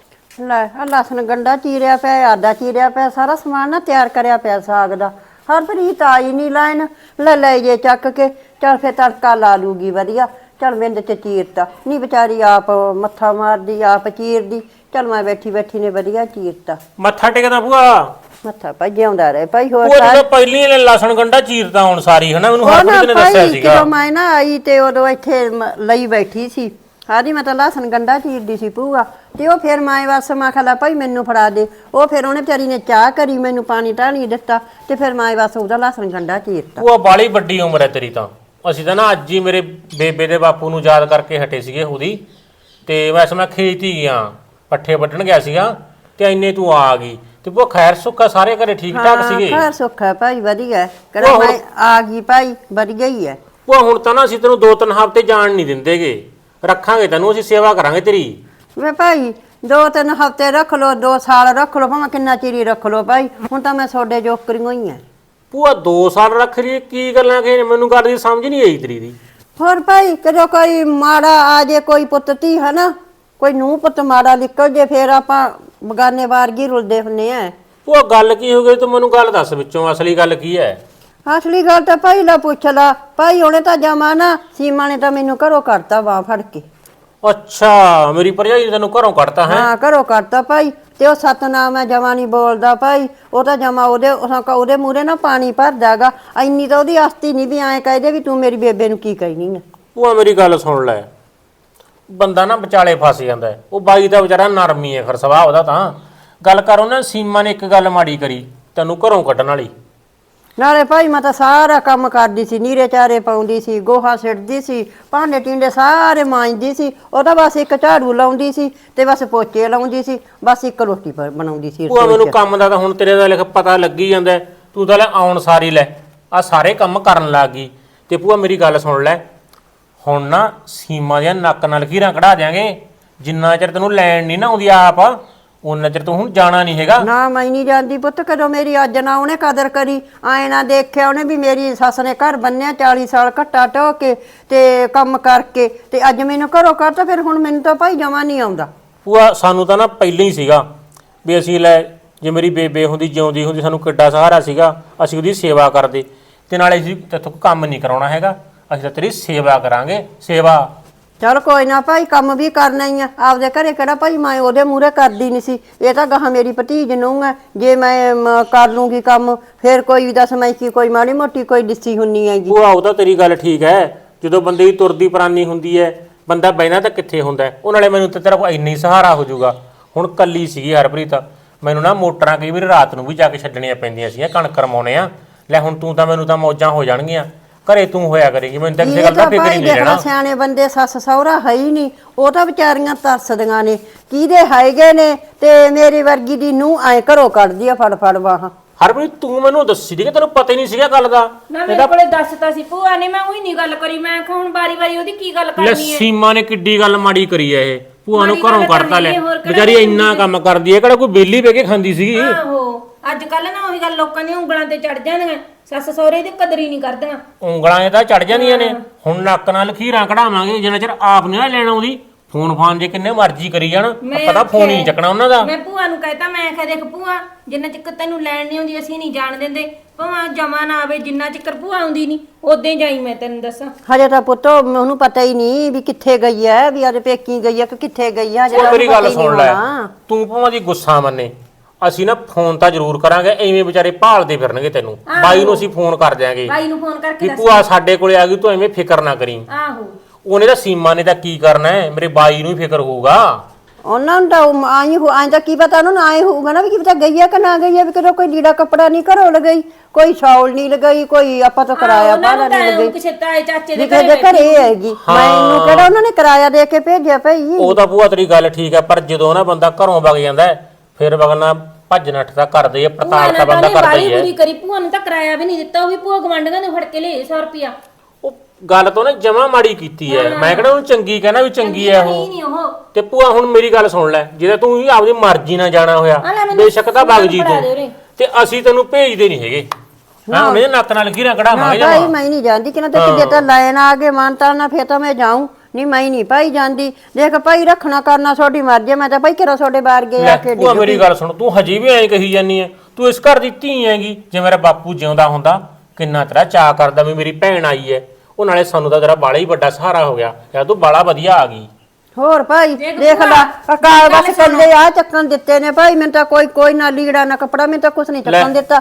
S2: ਲੈ ਆ ਲਸਣ ਗੰਡਾ ਚੀਰਿਆ ਪਿਆ, ਆਦਾ ਚੀਰਿਆ ਪਿਆ, ਸਾਰਾ ਸਮਾਨ ਨਾ ਤਿਆਰ ਕਰਿਆ ਪਿਆ ਸਾਗ ਦਾ। ਹਰਪ੍ਰੀਤ ਆਈ ਨਹੀਂ ਲੈਣ, ਲੈ ਜੇ ਚੱਕ ਕੇ। ਚੱਲ ਫੇਰ ਤੜਕਾ ਲਾ ਲੂਗੀ ਵਧੀਆ। ਚੱਲ ਮਿੰਦ ਚ ਚੀਰਤਾ ਨਹੀਂ, ਵਿਚਾਰੀ ਆਪ ਮੱਥਾ ਮਾਰਦੀ ਆਪ ਚੀਰਦੀ। ਚੱਲ ਮੈਂ ਬੈਠੀ ਨੇ ਵਧੀਆ ਚੀਰਤਾ।
S3: ਮੱਥਾ ਟੇਕਦਾ ਭੂਆ?
S2: ਮੱਥਾ ਭਾਈ ਜਿਉਂਦਾ ਰਹੇ ਭਾਈ। ਹੋਰ
S3: ਉਹ ਤਾਂ ਪਹਿਲੀ ਨੇ ਲਸਣ ਗੰਡਾ ਚੀਰਦਾ ਹੁਣ ਸਾਰੀ ਹਨਾ, ਮੈਨੂੰ ਹਰਪ੍ਰੀਤ ਨੇ ਦੱਸਿਆ ਸੀਗਾ।
S2: ਜਦੋਂ ਮੈਂ ਨਾ ਆਈ ਤੇ ਉਦੋਂ ਇੱਥੇ ਲਈ ਬੈਠੀ ਸੀ। ਆਦੀ ਮੈਂ ਤਾਂ ਲਸਣ ਗੰਡਾ ਚੀਰਦੀ ਸੀ ਭੂਆ, ਤੇ ਉਹ ਫਿਰ ਮੈਂ ਬਸ ਮੈਂ ਖਲਾ ਭਾਈ ਮੈਨੂੰ ਫੜਾ ਦੇ। ਉਹ ਫਿਰ ਉਹਨੇ ਵਿਚਾਰੀ ਨੇ ਚਾਹ ਕਰੀ, ਮੈਨੂੰ ਪਾਣੀ ਢਾਣੀ ਦਿੱਤਾ, ਤੇ ਫਿਰ ਮੈਂ ਬਸ ਉਹਦਾ ਲਸਣ ਗੰਡਾ ਚੀਰਤਾ।
S3: ਭੂਆ ਬਾਲੀ ਵੱਡੀ ਉਮਰ ਹੈ ਤੇਰੀ ਤਾਂ। ਅਸੀਂ ਤਾਂ ਨਾ ਅੱਜ ਹੀ ਮੇਰੇ ਬੇਬੇ ਦੇ ਬਾਪੂ ਨੂੰ ਯਾਦ ਕਰਕੇ ਹਟੇ ਸੀਗੇ ਉਹਦੀ। ਤੇ ਵੈਸੇ ਮੈਂ ਖੇਤ ਹੀ ਗਿਆ, ਪੱਠੇ ਵੱਢਣ ਗਿਆ ਸੀਗਾ, ਤੇ ਇੰਨੇ ਤੂੰ ਆ ਗਈ। ਤੇ ਭੂਆ ਖੈਰ ਸੁੱਖਾ, ਸਾਰੇ ਘਰੇ ਠੀਕ ਠਾਕ ਸੀਗੇ?
S2: ਖੈਰ ਸੁੱਖਾ ਭਾਈ ਵਧੀਆ। ਕਿਹੜਾ ਮੈਂ ਆ ਗਈ ਭਾਈ, ਵਧੀਆ ਹੀ ਹੈ।
S3: ਭੂਆ ਹੁਣ ਤਾਂ ਨਾ ਅਸੀਂ ਤੈਨੂੰ 2-3 ਹਫ਼ਤੇ ਜਾਣ ਨਹੀਂ ਦਿੰਦੇਗੇ, ਰੱਖਾਂਗੇ ਤੈਨੂੰ, ਅਸੀਂ ਸੇਵਾ ਕਰਾਂਗੇ ਤੇਰੀ।
S2: ਵੇ ਭਾਈ 2-3 ਹਫ਼ਤੇ ਰੱਖ ਲੋ, 2 ਸਾਲ ਰੱਖ ਲੋ, ਭਾਵੇਂ ਕਿੰਨਾ ਚਿਰ ਹੀ ਰੱਖ ਲੋ ਭਾਈ। ਹੁਣ ਤਾਂ ਮੈਂ ਤੁਹਾਡੇ ਜੋਕਰੀਆਂ ਹੀ ਆ।
S3: ਭੂਆ 2 ਸਾਲ ਰੱਖ ਰਹੀ ਕੀ ਗੱਲਾਂ ਕਿ ਮੈਨੂੰ ਗੱਲ ਦੀ ਸਮਝ ਨਹੀਂ ਆਈ ਤੇਰੀ ਦੀ।
S2: ਹੋਰ ਭਾਈ ਕਦੋਂ ਕੋਈ ਮਾੜਾ ਆ ਜੇ, ਕੋਈ ਪੁੱਤ ਧੀ ਹਨਾ, ਕੋਈ ਨੂੰਹ ਪੁੱਤ ਮਾੜਾ ਨਿਕਲ ਜੇ, ਫੇਰ ਆਪਾਂ ਬਗਾਨੇ ਵਾਰਗੀ ਰੁਲਦੇ ਹੁੰਨੇ ਆ।
S3: ਭੂਆ ਗੱਲ ਕੀ ਹੋ ਗਈ ਤੂੰ ਮੈਨੂੰ ਗੱਲ ਦੱਸ ਵਿੱਚੋਂ ਅਸਲੀ ਗੱਲ ਕੀ ਹੈ?
S2: ਅਸਲੀ ਗੱਲ ਤਾਂ ਭਾਈ ਲਾ ਪੁੱਛ ਲਾ ਭਾਈ। ਉਹਨੇ ਤਾਂ ਜਮਾ ਨਾ ਸੀਮਾ ਨੇ ਤਾਂ ਮੈਨੂੰ ਘਰੋਂ ਕੱਢਤਾ ਬਾਂਹ ਫੜ ਕੇ।
S3: ਅੱਛਾ ਮੇਰੀ ਭਰਜਾਈ ਨੇ ਤੈਨੂੰ ਘਰੋਂ ਕੱਢਤਾ ਹੈ?
S2: ਹਾਂ ਘਰੋਂ ਕੱਢਤਾ ਭਾਈ। ਤੇ ਉਹ ਸਤਨਾਮ ਹੈ ਜਮਾ ਨਹੀਂ ਬੋਲਦਾ ਭਾਈ। ਉਹ ਤਾਂ ਜਮਾ ਉਹਦੇ ਮੂਹਰੇ ਨਾ ਪਾਣੀ ਭਰਦਾਗਾ। ਇੰਨੀ ਤਾਂ ਉਹਦੀ ਆਸਤੀ ਨਹੀਂ ਵੀ ਐਂ ਕਹਦੇ ਵੀ ਤੂੰ ਮੇਰੀ ਬੇਬੇ ਨੂੰ ਕੀ ਕਹਿਨੀ ਆ।
S3: ਭੂਆ ਮੇਰੀ ਗੱਲ ਸੁਣ ਲੈ, ਬੰਦਾ ਨਾ ਵਿਚਾਲੇ ਫਸ ਜਾਂਦਾ ਹੈ। ਉਹ ਬਾਈ ਦਾ ਵਿਚਾਰਾ ਨਰਮੀ ਹੈ ਫਿਰ ਸੁਭਾਅ ਉਹਦਾ। ਤਾਂ ਗੱਲ ਕਰ ਉਹਨਾਂ ਸੀਮਾ ਨੇ ਇੱਕ ਗੱਲ ਮਾੜੀ ਕਰੀ ਤੈਨੂੰ ਘਰੋਂ ਕੱਢਣ ਵਾਲੀ।
S2: ਨਾਲੇ ਭਾਈ ਮੈਂ ਤਾਂ ਸਾਰਾ ਕੰਮ ਕਰਦੀ ਸੀ, ਨੀਰੇ ਚਾਰੇ ਪਾਉਂਦੀ ਸੀ, ਗੋਹਾ ਸਿੱਟਦੀ ਸੀ, ਭਾਂਡੇ ਟਿੰਡੇ ਸਾਰੇ ਮਾਂਜਦੀ ਸੀ। ਉਹ ਤਾਂ ਬਸ ਇੱਕ ਝਾੜੂ ਲਾਉਂਦੀ ਸੀ ਤੇ ਬਸ ਪੋਚੇ ਲਾਉਂਦੀ ਸੀ, ਬਸ ਇੱਕ ਰੋਟੀ ਬਣਾਉਂਦੀ ਸੀ।
S3: ਭੂਆ ਮੈਨੂੰ ਕੰਮ ਦਾ ਤਾਂ ਹੁਣ ਤੇਰੇ ਦਾ ਲਿਖ ਪਤਾ ਲੱਗੀ ਜਾਂਦਾ। ਤੂੰ ਤਾਂ ਲੈ ਆਉਣ ਸਾਰੀ ਲੈ ਆ ਸਾਰੇ ਕੰਮ ਕਰਨ ਲੱਗ ਗਈ। ਤੇ ਭੂਆ ਮੇਰੀ ਗੱਲ ਸੁਣ ਲੈ, ਹੁਣ ਨਾ ਸੀਮਾ ਦੀਆਂ ਨੱਕ ਨਾਲ ਲਕੀਰਾਂ ਕਢਾ ਦਿਆਂਗੇ। ਜਿੰਨਾ ਚਿਰ ਤੈਨੂੰ ਲੈਣ ਨਹੀਂ ਨਾ ਆਉਂਦੀ ਆਪ, ਉਹਨਾਂ ਚਿਰ ਤੂੰ ਹੁਣ ਜਾਣਾ ਨਹੀਂ ਹੈਗਾ।
S2: ਨਾ ਮੈਂ ਨਹੀਂ ਜਾਂਦੀ ਪੁੱਤ। ਕਦੋਂ ਮੇਰੀ ਅੱਜ ਨਾ ਉਹਨੇ ਕਦਰ ਕਰੀ, ਆਏ ਨਾ ਦੇਖਿਆ ਉਹਨੇ ਵੀ ਮੇਰੀ ਸੱਸ ਨੇ ਘਰ ਬੰਨਿਆ 40 ਸਾਲ ਘੱਟਾ ਢੋ ਕੇ ਤੇ ਕੰਮ ਕਰਕੇ, ਤੇ ਅੱਜ ਮੈਨੂੰ ਘਰੋਂ ਕੱਢਤਾ। ਫਿਰ ਹੁਣ ਮੈਨੂੰ ਤਾਂ ਭਾਈ ਜਮਾ ਨਹੀਂ ਆਉਂਦਾ।
S3: ਭੂਆ ਸਾਨੂੰ ਤਾਂ ਨਾ ਪਹਿਲਾਂ ਹੀ ਸੀਗਾ ਵੀ ਅਸੀਂ ਲੈ, ਜੇ ਮੇਰੀ ਬੇਬੇ ਹੁੰਦੀ ਜਿਉਂਦੀ ਹੁੰਦੀ ਸਾਨੂੰ ਕਿੱਡਾ ਸਹਾਰਾ ਸੀਗਾ। ਅਸੀਂ ਉਹਦੀ ਸੇਵਾ ਕਰਦੇ ਤੇ ਨਾਲੇ ਅਸੀਂ ਤੇਥੋਂ ਕੰਮ ਨਹੀਂ ਕਰਾਉਣਾ ਹੈਗਾ, ਅਸੀਂ ਤਾਂ ਤੇਰੀ ਸੇਵਾ ਕਰਾਂਗੇ। ਸੇਵਾ
S2: ਚਲ ਕੋਈ ਨਾ ਭਾਈ, ਕੰਮ ਵੀ ਕਰਨਾ ਹੀ ਆ। ਆਪਦੇ ਘਰੇ ਕਿਹੜਾ ਭਾਈ ਮੈਂ ਉਹਦੇ ਮੂਹਰੇ ਕਰਦੀ ਨਹੀਂ ਸੀ। ਇਹ ਤਾਂ ਗਾਹਾਂ ਮੇਰੀ ਭਤੀਜ ਨੂੰ ਹੈ, ਜੇ ਮੈਂ ਕਰ ਲੂੰਗੀ ਕੰਮ ਫਿਰ ਕੋਈ ਵੀ ਦੱਸ ਮੈਂ ਕੀ ਕੋਈ ਮਾੜੀ ਮੋਟੀ ਕੋਈ ਦਿੱਸੀ ਹੁੰਨੀ ਹੈਗੀ।
S3: ਭੂਆ ਉਹ ਤਾਂ ਤੇਰੀ ਗੱਲ ਠੀਕ ਹੈ। ਜਦੋਂ ਬੰਦੇ ਦੀ ਤੁਰਦੀ ਪ੍ਰਾਨੀ ਹੁੰਦੀ ਹੈ ਬੰਦਾ ਬਹਿਣਾ ਤਾਂ ਕਿੱਥੇ ਹੁੰਦਾ। ਉਹ ਨਾਲੇ ਮੈਨੂੰ ਤਾਂ ਤੇਰਾ ਕੋਈ ਇੰਨੀ ਸਹਾਰਾ ਹੋ ਜਾਊਗਾ। ਹੁਣ ਕੱਲੀ ਸੀਗੀ ਹਰਪ੍ਰੀਤ, ਮੈਨੂੰ ਨਾ ਮੋਟਰਾਂ ਕਈ ਵਾਰ ਰਾਤ ਨੂੰ ਵੀ ਜਾ ਕੇ ਛੱਡਣੀਆਂ ਪੈਂਦੀਆਂ ਸੀ, ਕਣਕ ਰਮਾਉਣੇ ਆ। ਲੈ ਹੁਣ ਤੂੰ ਤਾਂ ਮੈਨੂੰ ਤਾਂ ਮੌਜਾਂ ਹੋ ਜਾਣਗੀਆਂ, ਘਰੇ ਤੂੰ ਹੋਇਆ ਕਰੇਗੀ। ਮੈਨੂੰ ਤਾਂ ਕਿਸੇ ਗੱਲ ਦਾ ਫਿਕਰ ਹੀ ਨਹੀਂ ਰਹਿਣਾ।
S2: ਸਿਆਣੇ ਬੰਦੇ ਸੱਸ ਸਹੁਰਾ ਹੈ ਹੀ ਨਹੀਂ, ਉਹ ਤਾਂ ਵਿਚਾਰੀਆਂ ਤਰਸਦੀਆਂ ਨੇ। ਕਿਹਦੇ ਹੈਗੇ ਨੇ ਤੇ ਮੇਰੀ ਵਰਗੀ ਦੀ ਨੂੰ ਐ ਘਰੋਂ ਕੱਢਦੀ ਆ ਫੜ ਫੜ ਬਾਹਾਂ।
S3: ਹਰਪ੍ਰੀਤ ਤੂੰ ਮੈਨੂੰ ਦੱਸੀ ਦੀ ਕਿ ਤੈਨੂੰ ਪਤਾ ਹੀ ਨਹੀਂ ਸੀਗਾ ਗੱਲ ਦਾ।
S1: ਨਾ ਮੇਰੇ ਕੋਲੇ ਦੱਸਤਾ ਸੀ ਭੂਆ ਨੇ, ਮੈਂ ਉਹੀ ਨਹੀਂ ਗੱਲ ਕਰੀ। ਮੈਂ ਕਿਹਾ ਹੁਣ ਵਾਰੀ ਉਹਦੀ ਕੀ ਗੱਲ ਕਰਨੀ ਹੈ।
S3: ਸੀਮਾ ਨੇ ਕਿੱਡੀ ਗੱਲ ਮਾੜੀ ਕਰੀ ਐ ਇਹ। ਭੂਆ ਨੂੰ ਘਰੋਂ ਕੱਢਤਾ ਲੈ, ਵਿਚਾਰੀ ਇੰਨਾ ਕੰਮ ਕਰਦੀ ਐ, ਕਿਹੜਾ ਕੋਈ ਬੇਲੀ ਬਹਿ ਕੇ ਖਾਂਦੀ ਸੀਗੀ।
S1: ਆਹੋ ਅੱਜ ਕੱਲ ਨਾ ਉਹੀ ਗੱਲ ਲੋਕਾਂ ਦੀਆਂ ਉਂਗਲਾਂ ਤੇ ਚੜ ਜਾਂਦੀਆਂ, ਸੱਸ ਸਹੁਰੇ ਦੀ ਕਦਰ ਹੀ ਨਹੀਂ ਕਰਦੀਆਂ।
S3: ਉਂਗਲਾਂ ਇਹ ਤਾਂ ਚੜ ਜਾਂਦੀਆਂ ਨੇ। ਹੁਣ ਨੱਕ ਨਾਲ ਲਖੀਰਾਂ ਕਢਾਵਾਂਗੇ ਜਿੰਨਾ ਚਿਰ ਆਪ ਨਹੀਂ ਨਾ ਲੈਣ ਆਉਂਦੀ। ਫੋਨ ਫਾਨ ਜੇ ਕਿੰਨੇ ਮਰਜ਼ੀ ਕਰੀ ਜਾਣ, ਪਤਾ ਫੋਨ ਹੀ ਨਹੀਂ ਚੱਕਣਾ ਉਹਨਾਂ ਦਾ।
S1: ਮੈਂ ਭੂਆ ਨੂੰ ਕਹਿਤਾ, ਮੈਂ ਕਿਹਾ ਦੇਖ ਭੂਆ ਜਿੰਨਾ ਚਿਰ ਤੈਨੂੰ ਲੈਣ ਨਹੀਂ ਆਉਂਦੀ ਅਸੀਂ ਨਹੀਂ ਜਾਣ ਦਿੰਦੇ, ਭਾਵੇਂ ਜਮਾ ਨਾ ਆਵੇ, ਜਿੰਨਾ ਚਿਰ ਭੂਆ ਆਉਂਦੀ ਨਹੀਂ ਉਦੋਂ ਜਾਈ। ਮੈਂ ਤੈਨੂੰ ਦੱਸਾਂ
S2: ਹਜੇ ਤਾਂ ਪੁੱਤ ਉਹਨੂੰ ਪਤਾ ਹੀ ਨਹੀਂ ਵੀ ਕਿੱਥੇ ਗਈ ਐ, ਵੀ ਅੱਜ ਪੇਕੀ ਗਈ ਐ ਕਿ ਕਿੱਥੇ ਗਈ ਐ।
S3: ਮੇਰੀ ਗੱਲ ਸੁਣ ਲੈ, ਤੂੰ ਭਾਵੇਂ ਦੀ ਗੁੱਸਾ ਮੰਨੇ, ਅਸੀਂ ਨਾ ਫੋਨ ਤਾਂ ਜ਼ਰੂਰ ਕਰਾਂਗੇ। ਐਵੇਂ ਵਿਚਾਰੇ ਭਾਲਦੇ ਫਿਰਨਗੇ ਤੈਨੂੰ। ਬਾਈ ਨੂੰ ਅਸੀਂ ਫੋਨ ਕਰ ਦਿਆਂਗੇ
S1: ਬਾਈ ਨੂੰ ਫੋਨ ਕਰਕੇ
S3: ਵੀ ਭੂਆ ਸਾਡੇ ਕੋਲੇ ਆ ਗਈ, ਤੂੰ ਐਵੇਂ ਫਿਕਰ ਨਾ ਕਰੀ।
S1: ਆਹੋ
S3: ਉਹਨੇ ਤਾਂ ਸੀਮਾ ਨੇ ਤਾਂ ਕੀ ਕਰਨਾ ਹੈ, ਮੇਰੇ ਬਾਈ ਨੂੰ ਹੀ ਫਿਕਰ ਹੋਊਗਾ।
S2: ਉਹਨਾਂ ਨੂੰ ਤਾਂ ਆਈ ਤਾਂ ਕੀ ਪਤਾ ਉਹਨੂੰ ਆਏ ਹੋਊਗਾ ਨਾ ਵੀ ਕੀ ਪਤਾ ਗਈ ਐ ਕਿ ਨਾ ਗਈ ਐ, ਵੀ ਕਦੋਂ ਕੋਈ ਲੀੜਾ ਕੱਪੜਾ ਨਹੀਂ ਘਰੋਂ ਲਗਾਈ, ਕੋਈ ਸ਼ੌਲ ਨਹੀਂ ਲਗਾਈ, ਕੋਈ ਆਪਾਂ ਤੋਂ ਕਿਰਾਇਆ ਭਾੜਾ ਨਹੀਂ ਲਗਾਈ।
S1: ਕਿਸੇ ਤਾਏ ਚਾਚੇ ਦੇ
S2: ਘਰੇ ਹੈਗੀ। ਮੈਨੂੰ ਕਿਹੜਾ ਉਹਨਾਂ ਨੇ ਕਿਰਾਇਆ ਦੇ ਕੇ ਭੇਜਿਆ ਭਾਈ।
S3: ਉਹ ਤਾਂ ਭੂਆ ਤੇਰੀ ਗੱਲ ਠੀਕ ਹੈ, ਪਰ ਜਦੋਂ ਨਾ ਬੰਦਾ ਘਰੋਂ ਵਗ ਜਾਂਦਾ ਫਿਰ ਵਗਣਾ ਭੱਜ ਨੱਠ ਤਾਂ ਕਰਦੇ ਆ, ਪੜਤਾਲ ਤਾਂ ਬੰਦਾ ਕਰਦਾ ਹੀ ਹੈ।
S1: ਕਰੀ ਭੂਆ ਨੂੰ ਤਾਂ ਕਿਰਾਇਆ ਵੀ ਨਹੀਂ ਦਿੱਤਾ, ਉਹ ਵੀ ਭੂਆ ਗਵਾਂਢੀਆਂ ਨੇ ਫੜ ਕੇ ਲਏ 100 ਰੁਪਿਆ।
S3: ਉਹ ਗੱਲ ਤੋਂ ਨਾ ਜਮਾ ਮਾੜੀ ਕੀਤੀ ਹੈ। ਮੈਂ ਕਿਹੜਾ ਉਹਨੂੰ ਚੰਗੀ ਕਹਿਣਾ ਵੀ ਚੰਗੀ ਹੈ ਉਹ। ਤੇ ਭੂਆ ਹੁਣ ਮੇਰੀ ਗੱਲ ਸੁਣ ਲੈ, ਜੇ ਤੂੰ ਹੀ ਆਪਦੀ ਮਰਜ਼ੀ ਨਾਲ ਜਾਣਾ ਹੋਇਆ ਬੇਸ਼ੱਕ ਤਾਂ ਵਗ ਜੀ ਤੂੰ, ਤੇ ਅਸੀਂ ਤੈਨੂੰ ਭੇਜਦੇ ਨਹੀਂ ਹੈਗੇ। ਹਾਂ ਮੇਰੇ ਨੱਕ ਨਾਲ ਲਕੀਰਾਂ ਕਢਾਵਾਂਗੇ ਜਮਾ।
S2: ਭਾਈ ਮੈਂ ਨਹੀਂ ਜਾਂਦੀ, ਕਿ ਨਾ ਤੇ ਕਿਤੇ ਤਾਂ ਲੈਣ ਆ ਕੇ ਮਾਨਤਾ ਨਾ ਫੇਰ ਤਾਂ ਮੈਂ ਜਾਊਂ। ਨਹੀਂ ਮੈਂ ਨਹੀਂ ਭਾਈ ਜਾਂਦੀ। ਦੇਖ ਭਾਈ ਰੱਖਣਾ ਕਰਨਾ ਤੁਹਾਡੀ ਮਰਜ਼ੀ, ਮੈਂ ਤਾਂ ਭਾਈ ਕਿਹੜਾ ਤੁਹਾਡੇ ਬਾਹਰ ਗਿਆ ਕੇ।
S3: ਭੂਆ ਮੇਰੀ ਗੱਲ ਸੁਣ, ਤੂੰ ਹਜੇ ਵੀ ਐਂ ਕਹੀ ਜਾਨੀ ਐ, ਤੂੰ ਇਸ ਘਰ ਦੀ ਧੀ ਹੈਗੀ। ਜੇ ਮੇਰਾ ਬਾਪੂ ਜਿਉਂਦਾ ਹੁੰਦਾ ਕਿੰਨਾ ਤੇਰਾ ਚਾਅ ਕਰਦਾ ਵੀ ਮੇਰੀ ਭੈਣ ਆਈ ਐ। ਉਹ ਨਾਲੇ ਸਾਨੂੰ ਤਾਂ ਤੇਰਾ ਬਾਲਾ ਹੀ ਵੱਡਾ ਸਹਾਰਾ ਹੋ ਗਿਆ, ਯਾਰ ਤੂੰ ਬਾਲਾ ਵਧੀਆ ਆ ਗਈ।
S2: ਹੋਰ ਭਾਈ ਦੇਖ ਲੈ ਅਕਾਲ ਬਸ ਕੱਲੇ ਆ ਚੱਕਣ ਦਿੱਤੇ ਨੇ ਭਾਈ। ਮੈਨੂੰ ਤਾਂ ਕੋਈ ਨਾ ਲੀੜਾ ਨਾ ਕੱਪੜਾ, ਮੈਨੂੰ ਤਾਂ ਕੁਛ ਨਹੀਂ ਚੱਕਣ ਦਿੱਤਾ।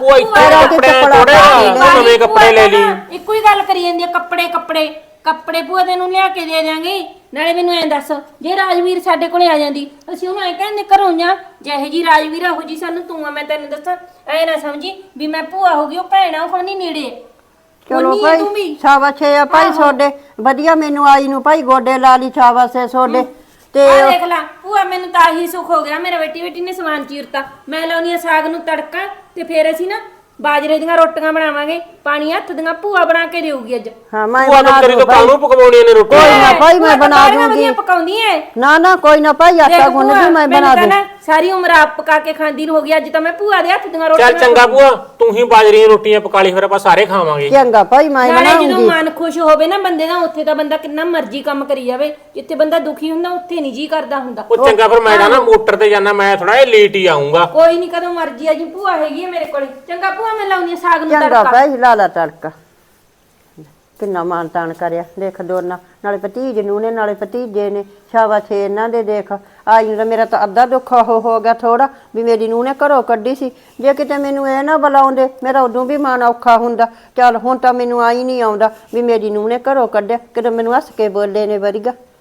S3: ਨਵੇਂ ਕੱਪੜੇ ਲੈ ਲਈ।
S1: ਇੱਕੋ ਹੀ ਗੱਲ ਕਰੀ ਜਾਂਦੀ ਆ, ਕੱਪੜੇ ਕੱਪੜੇ ਕੱਪੜੇ ਭੂਆ ਦੇ ਨੂੰ ਲਿਆ ਕੇ ਦੇ ਦਿਆਂਗੇ। ਨਾਲੇ ਮੈਨੂੰ ਐਂ ਦੱਸ, ਜੇ ਰਾਜਵੀਰ ਸਾਡੇ ਕੋਲੇ ਆ ਜਾਂਦੀ ਅਸੀਂ ਉਹਨੂੰ ਐਂ ਕਹਿੰਦੇ ਘਰੋਂ ਜਾ, ਜਿਹੇ ਜੀ ਰਾਜਵੀਰ ਉਹੋ ਜੀ ਸਾਨੂੰ ਤੂੰ ਆ। ਮੈਂ ਤੈਨੂੰ ਦੱਸਾਂ ਐ ਨਾ ਸਮਝੀ ਵੀ ਮੈਂ ਭੂਆ ਹੋ ਗਈ, ਉਹ ਭੈਣਾ ਉਹ ਨਹੀਂ ਨੇੜੇ।
S2: ਚਲੋ ਭਾਈ ਸ਼ਾਬਾਸ਼ ਆ ਭਾਈ ਤੁਹਾਡੇ, ਵਧੀਆ ਮੈਨੂੰ ਆਈ ਨੂੰ ਭਾਈ ਗੋਡੇ ਲਾ ਲਈ, ਸ਼ਾਬਾਸ਼ ਹੈ ਤੁਹਾਡੇ। ਤੇ
S1: ਦੇਖ ਲੈ ਭੂਆ ਮੈਨੂੰ ਤਾਂ ਆਹੀ ਸੁੱਖ ਹੋ ਗਿਆ, ਮੇਰੇ ਬੇਟੀ ਨੇ ਸਮਾਨ ਚੀਰਤਾ। ਮੈਂ ਲਾਉਣੀ ਆ ਸਾਗ ਨੂੰ ਤੜਕਾ, ਤੇ ਫੇਰ ਅਸੀਂ ਨਾ ਬਾਜਰੇ ਦੀਆਂ ਰੋਟੀਆਂ ਬਣਾਵਾਂਗੇ, ਪਾਣੀ ਹੱਥ ਦੀਆਂ ਭੂਆ ਬਣਾ ਕੇ ਦੇਊਗੀ ਅੱਜ।
S2: ਹਾਂ ਮੈਂ
S3: ਭੂਆ
S2: ਬਣਾ
S3: ਤੇਰੀ
S2: ਦੂੰ
S3: ਤੋਂ
S2: ਭਾਈ।
S3: ਕਾਹਨੂੰ ਪਕਵਾਉਣੀਆਂ ਨੇ ਰੋਟੀ
S2: ਕੋਈ ਨਾ ਭਾਈ ਮੈਂ
S1: ਭੂਆ ਤਾਂ
S2: ਬਣਾ
S1: ਸਾਰੀਆਂ
S2: ਦੂੰਗੀ।
S1: ਵਧੀਆ ਪਕਾਉਂਦੀ ਐ।
S2: ਨਾ ਨਾ ਕੋਈ ਨਾ ਭਾਈ ਆਟਾ
S1: ਦੇਖ
S2: ਗੁੰਨ
S1: ਭੂਆ,
S2: ਦੀ ਮੈਂ
S1: ਮੈਨੂੰ
S2: ਬਣਾ
S1: ਤਾਂ
S2: ਦੂੰ।
S1: ਨਾ ਸਾਰੀ ਉਮਰ ਆਪ ਪਕਾ ਕੇ ਖਾਂਦੀ ਨੂੰ ਹੋ ਗਈ, ਅੱਜ ਤਾਂ ਮੈਂ ਭੂਆ ਦੇ ਹੱਥ ਦੀਆਂ
S3: ਚੱਲ
S1: ਰੋਟੀਆਂ
S3: ਚੰਗਾ ਭੂਆ, ਤੂੰ ਹੀ ਬਾਜਰੀਆਂ ਰੋਟੀਆਂ ਪਕਾ ਲਈ, ਫਿਰ ਆਪਾਂ ਸਾਰੇ ਖਾਵਾਂਗੇ।
S2: ਚੰਗਾ ਭਾਈ ਮੈਂ
S1: ਨਾਲੇ ਜਦੋਂ
S2: ਬਣਾਉਂਗੀ।
S1: ਮਨ ਖੁਸ਼ ਹੋਵੇ ਨਾ ਬੰਦੇ ਦਾ, ਉੱਥੇ ਤਾਂ ਬੰਦਾ ਕਿੰਨਾ ਮਰਜ਼ੀ ਕੰਮ ਕਰੀ ਜਾਵੇ। ਜਿੱਥੇ ਬੰਦਾ ਦੁਖੀ ਹੁੰਦਾ ਉੱਥੇ ਨਹੀਂ ਜੀ ਕਰਦਾ ਹੁੰਦਾ।
S3: ਉਹ ਚੰਗਾ, ਫਿਰ ਮੈਂ ਨਾ ਮੋਟਰ ਤੇ ਜਾਣਾ, ਮੈਂ ਥੋੜਾ ਜਿਹਾ ਲੇਟ ਹੀ ਆਉਂਗਾ।
S1: ਕੋਈ ਨਹੀਂ, ਕਦੋਂ ਮਰਜ਼ੀ ਆ ਜੀ, ਭੂਆ ਹੈਗੀ ਹੈ ਮੇਰੇ ਕੋਲੇ। ਚੰਗਾ ਭੂਆ, ਮੈਂ ਲਾਉਣੀ ਆ ਸਾਗ ਨੂੰ
S2: ਚੰਗਾ
S1: ਤੜਕਾ।
S2: ਭਾਈ ਲਾ ਲਾ ਤੜਕਾ। ਕਿੰਨਾ ਮਾਨ ਤਾਨ ਕਰਿਆ ਦੇਖ ਦੋਨਾਂ, ਨਾਲੇ ਭਤੀਜ ਨੂੰ ਨੇ ਨਾਲੇ ਭਤੀਜੇ ਨੇ, ਸ਼ਾਬਾਸ਼ ਇਹਨਾਂ ਦੇ। ਦੇਖ ਆਈ ਨੂੰ ਤਾਂ ਮੇਰਾ ਤਾਂ ਅੱਧਾ ਦੁੱਖ ਹੋ ਗਿਆ ਥੋੜਾ, ਵੀ ਮੇਰੀ ਨੂੰਹ ਨੇ ਘਰੋਂ ਕੱਢੀ ਸੀ। ਜੇ ਕਿਤੇ ਮੈਨੂੰ ਇਹ ਨਾ ਬੁਲਾਉਂਦੇ ਮੇਰਾ ਉਦੋਂ ਵੀ ਮਨ ਔਖਾ ਹੁੰਦਾ। ਚੱਲ ਹੁਣ ਤਾਂ ਮੈਨੂੰ ਆਈ ਨਹੀਂ ਆਉਂਦਾ ਵੀ ਮੇਰੀ ਨੂੰਹ ਨੇ ਘਰੋਂ ਕੱਢਿਆ, ਕਿਤੇ ਮੈਨੂੰ ਹੱਸ ਕੇ ਬੋਲੇ ਨੇ ਵਰੀਗਾ।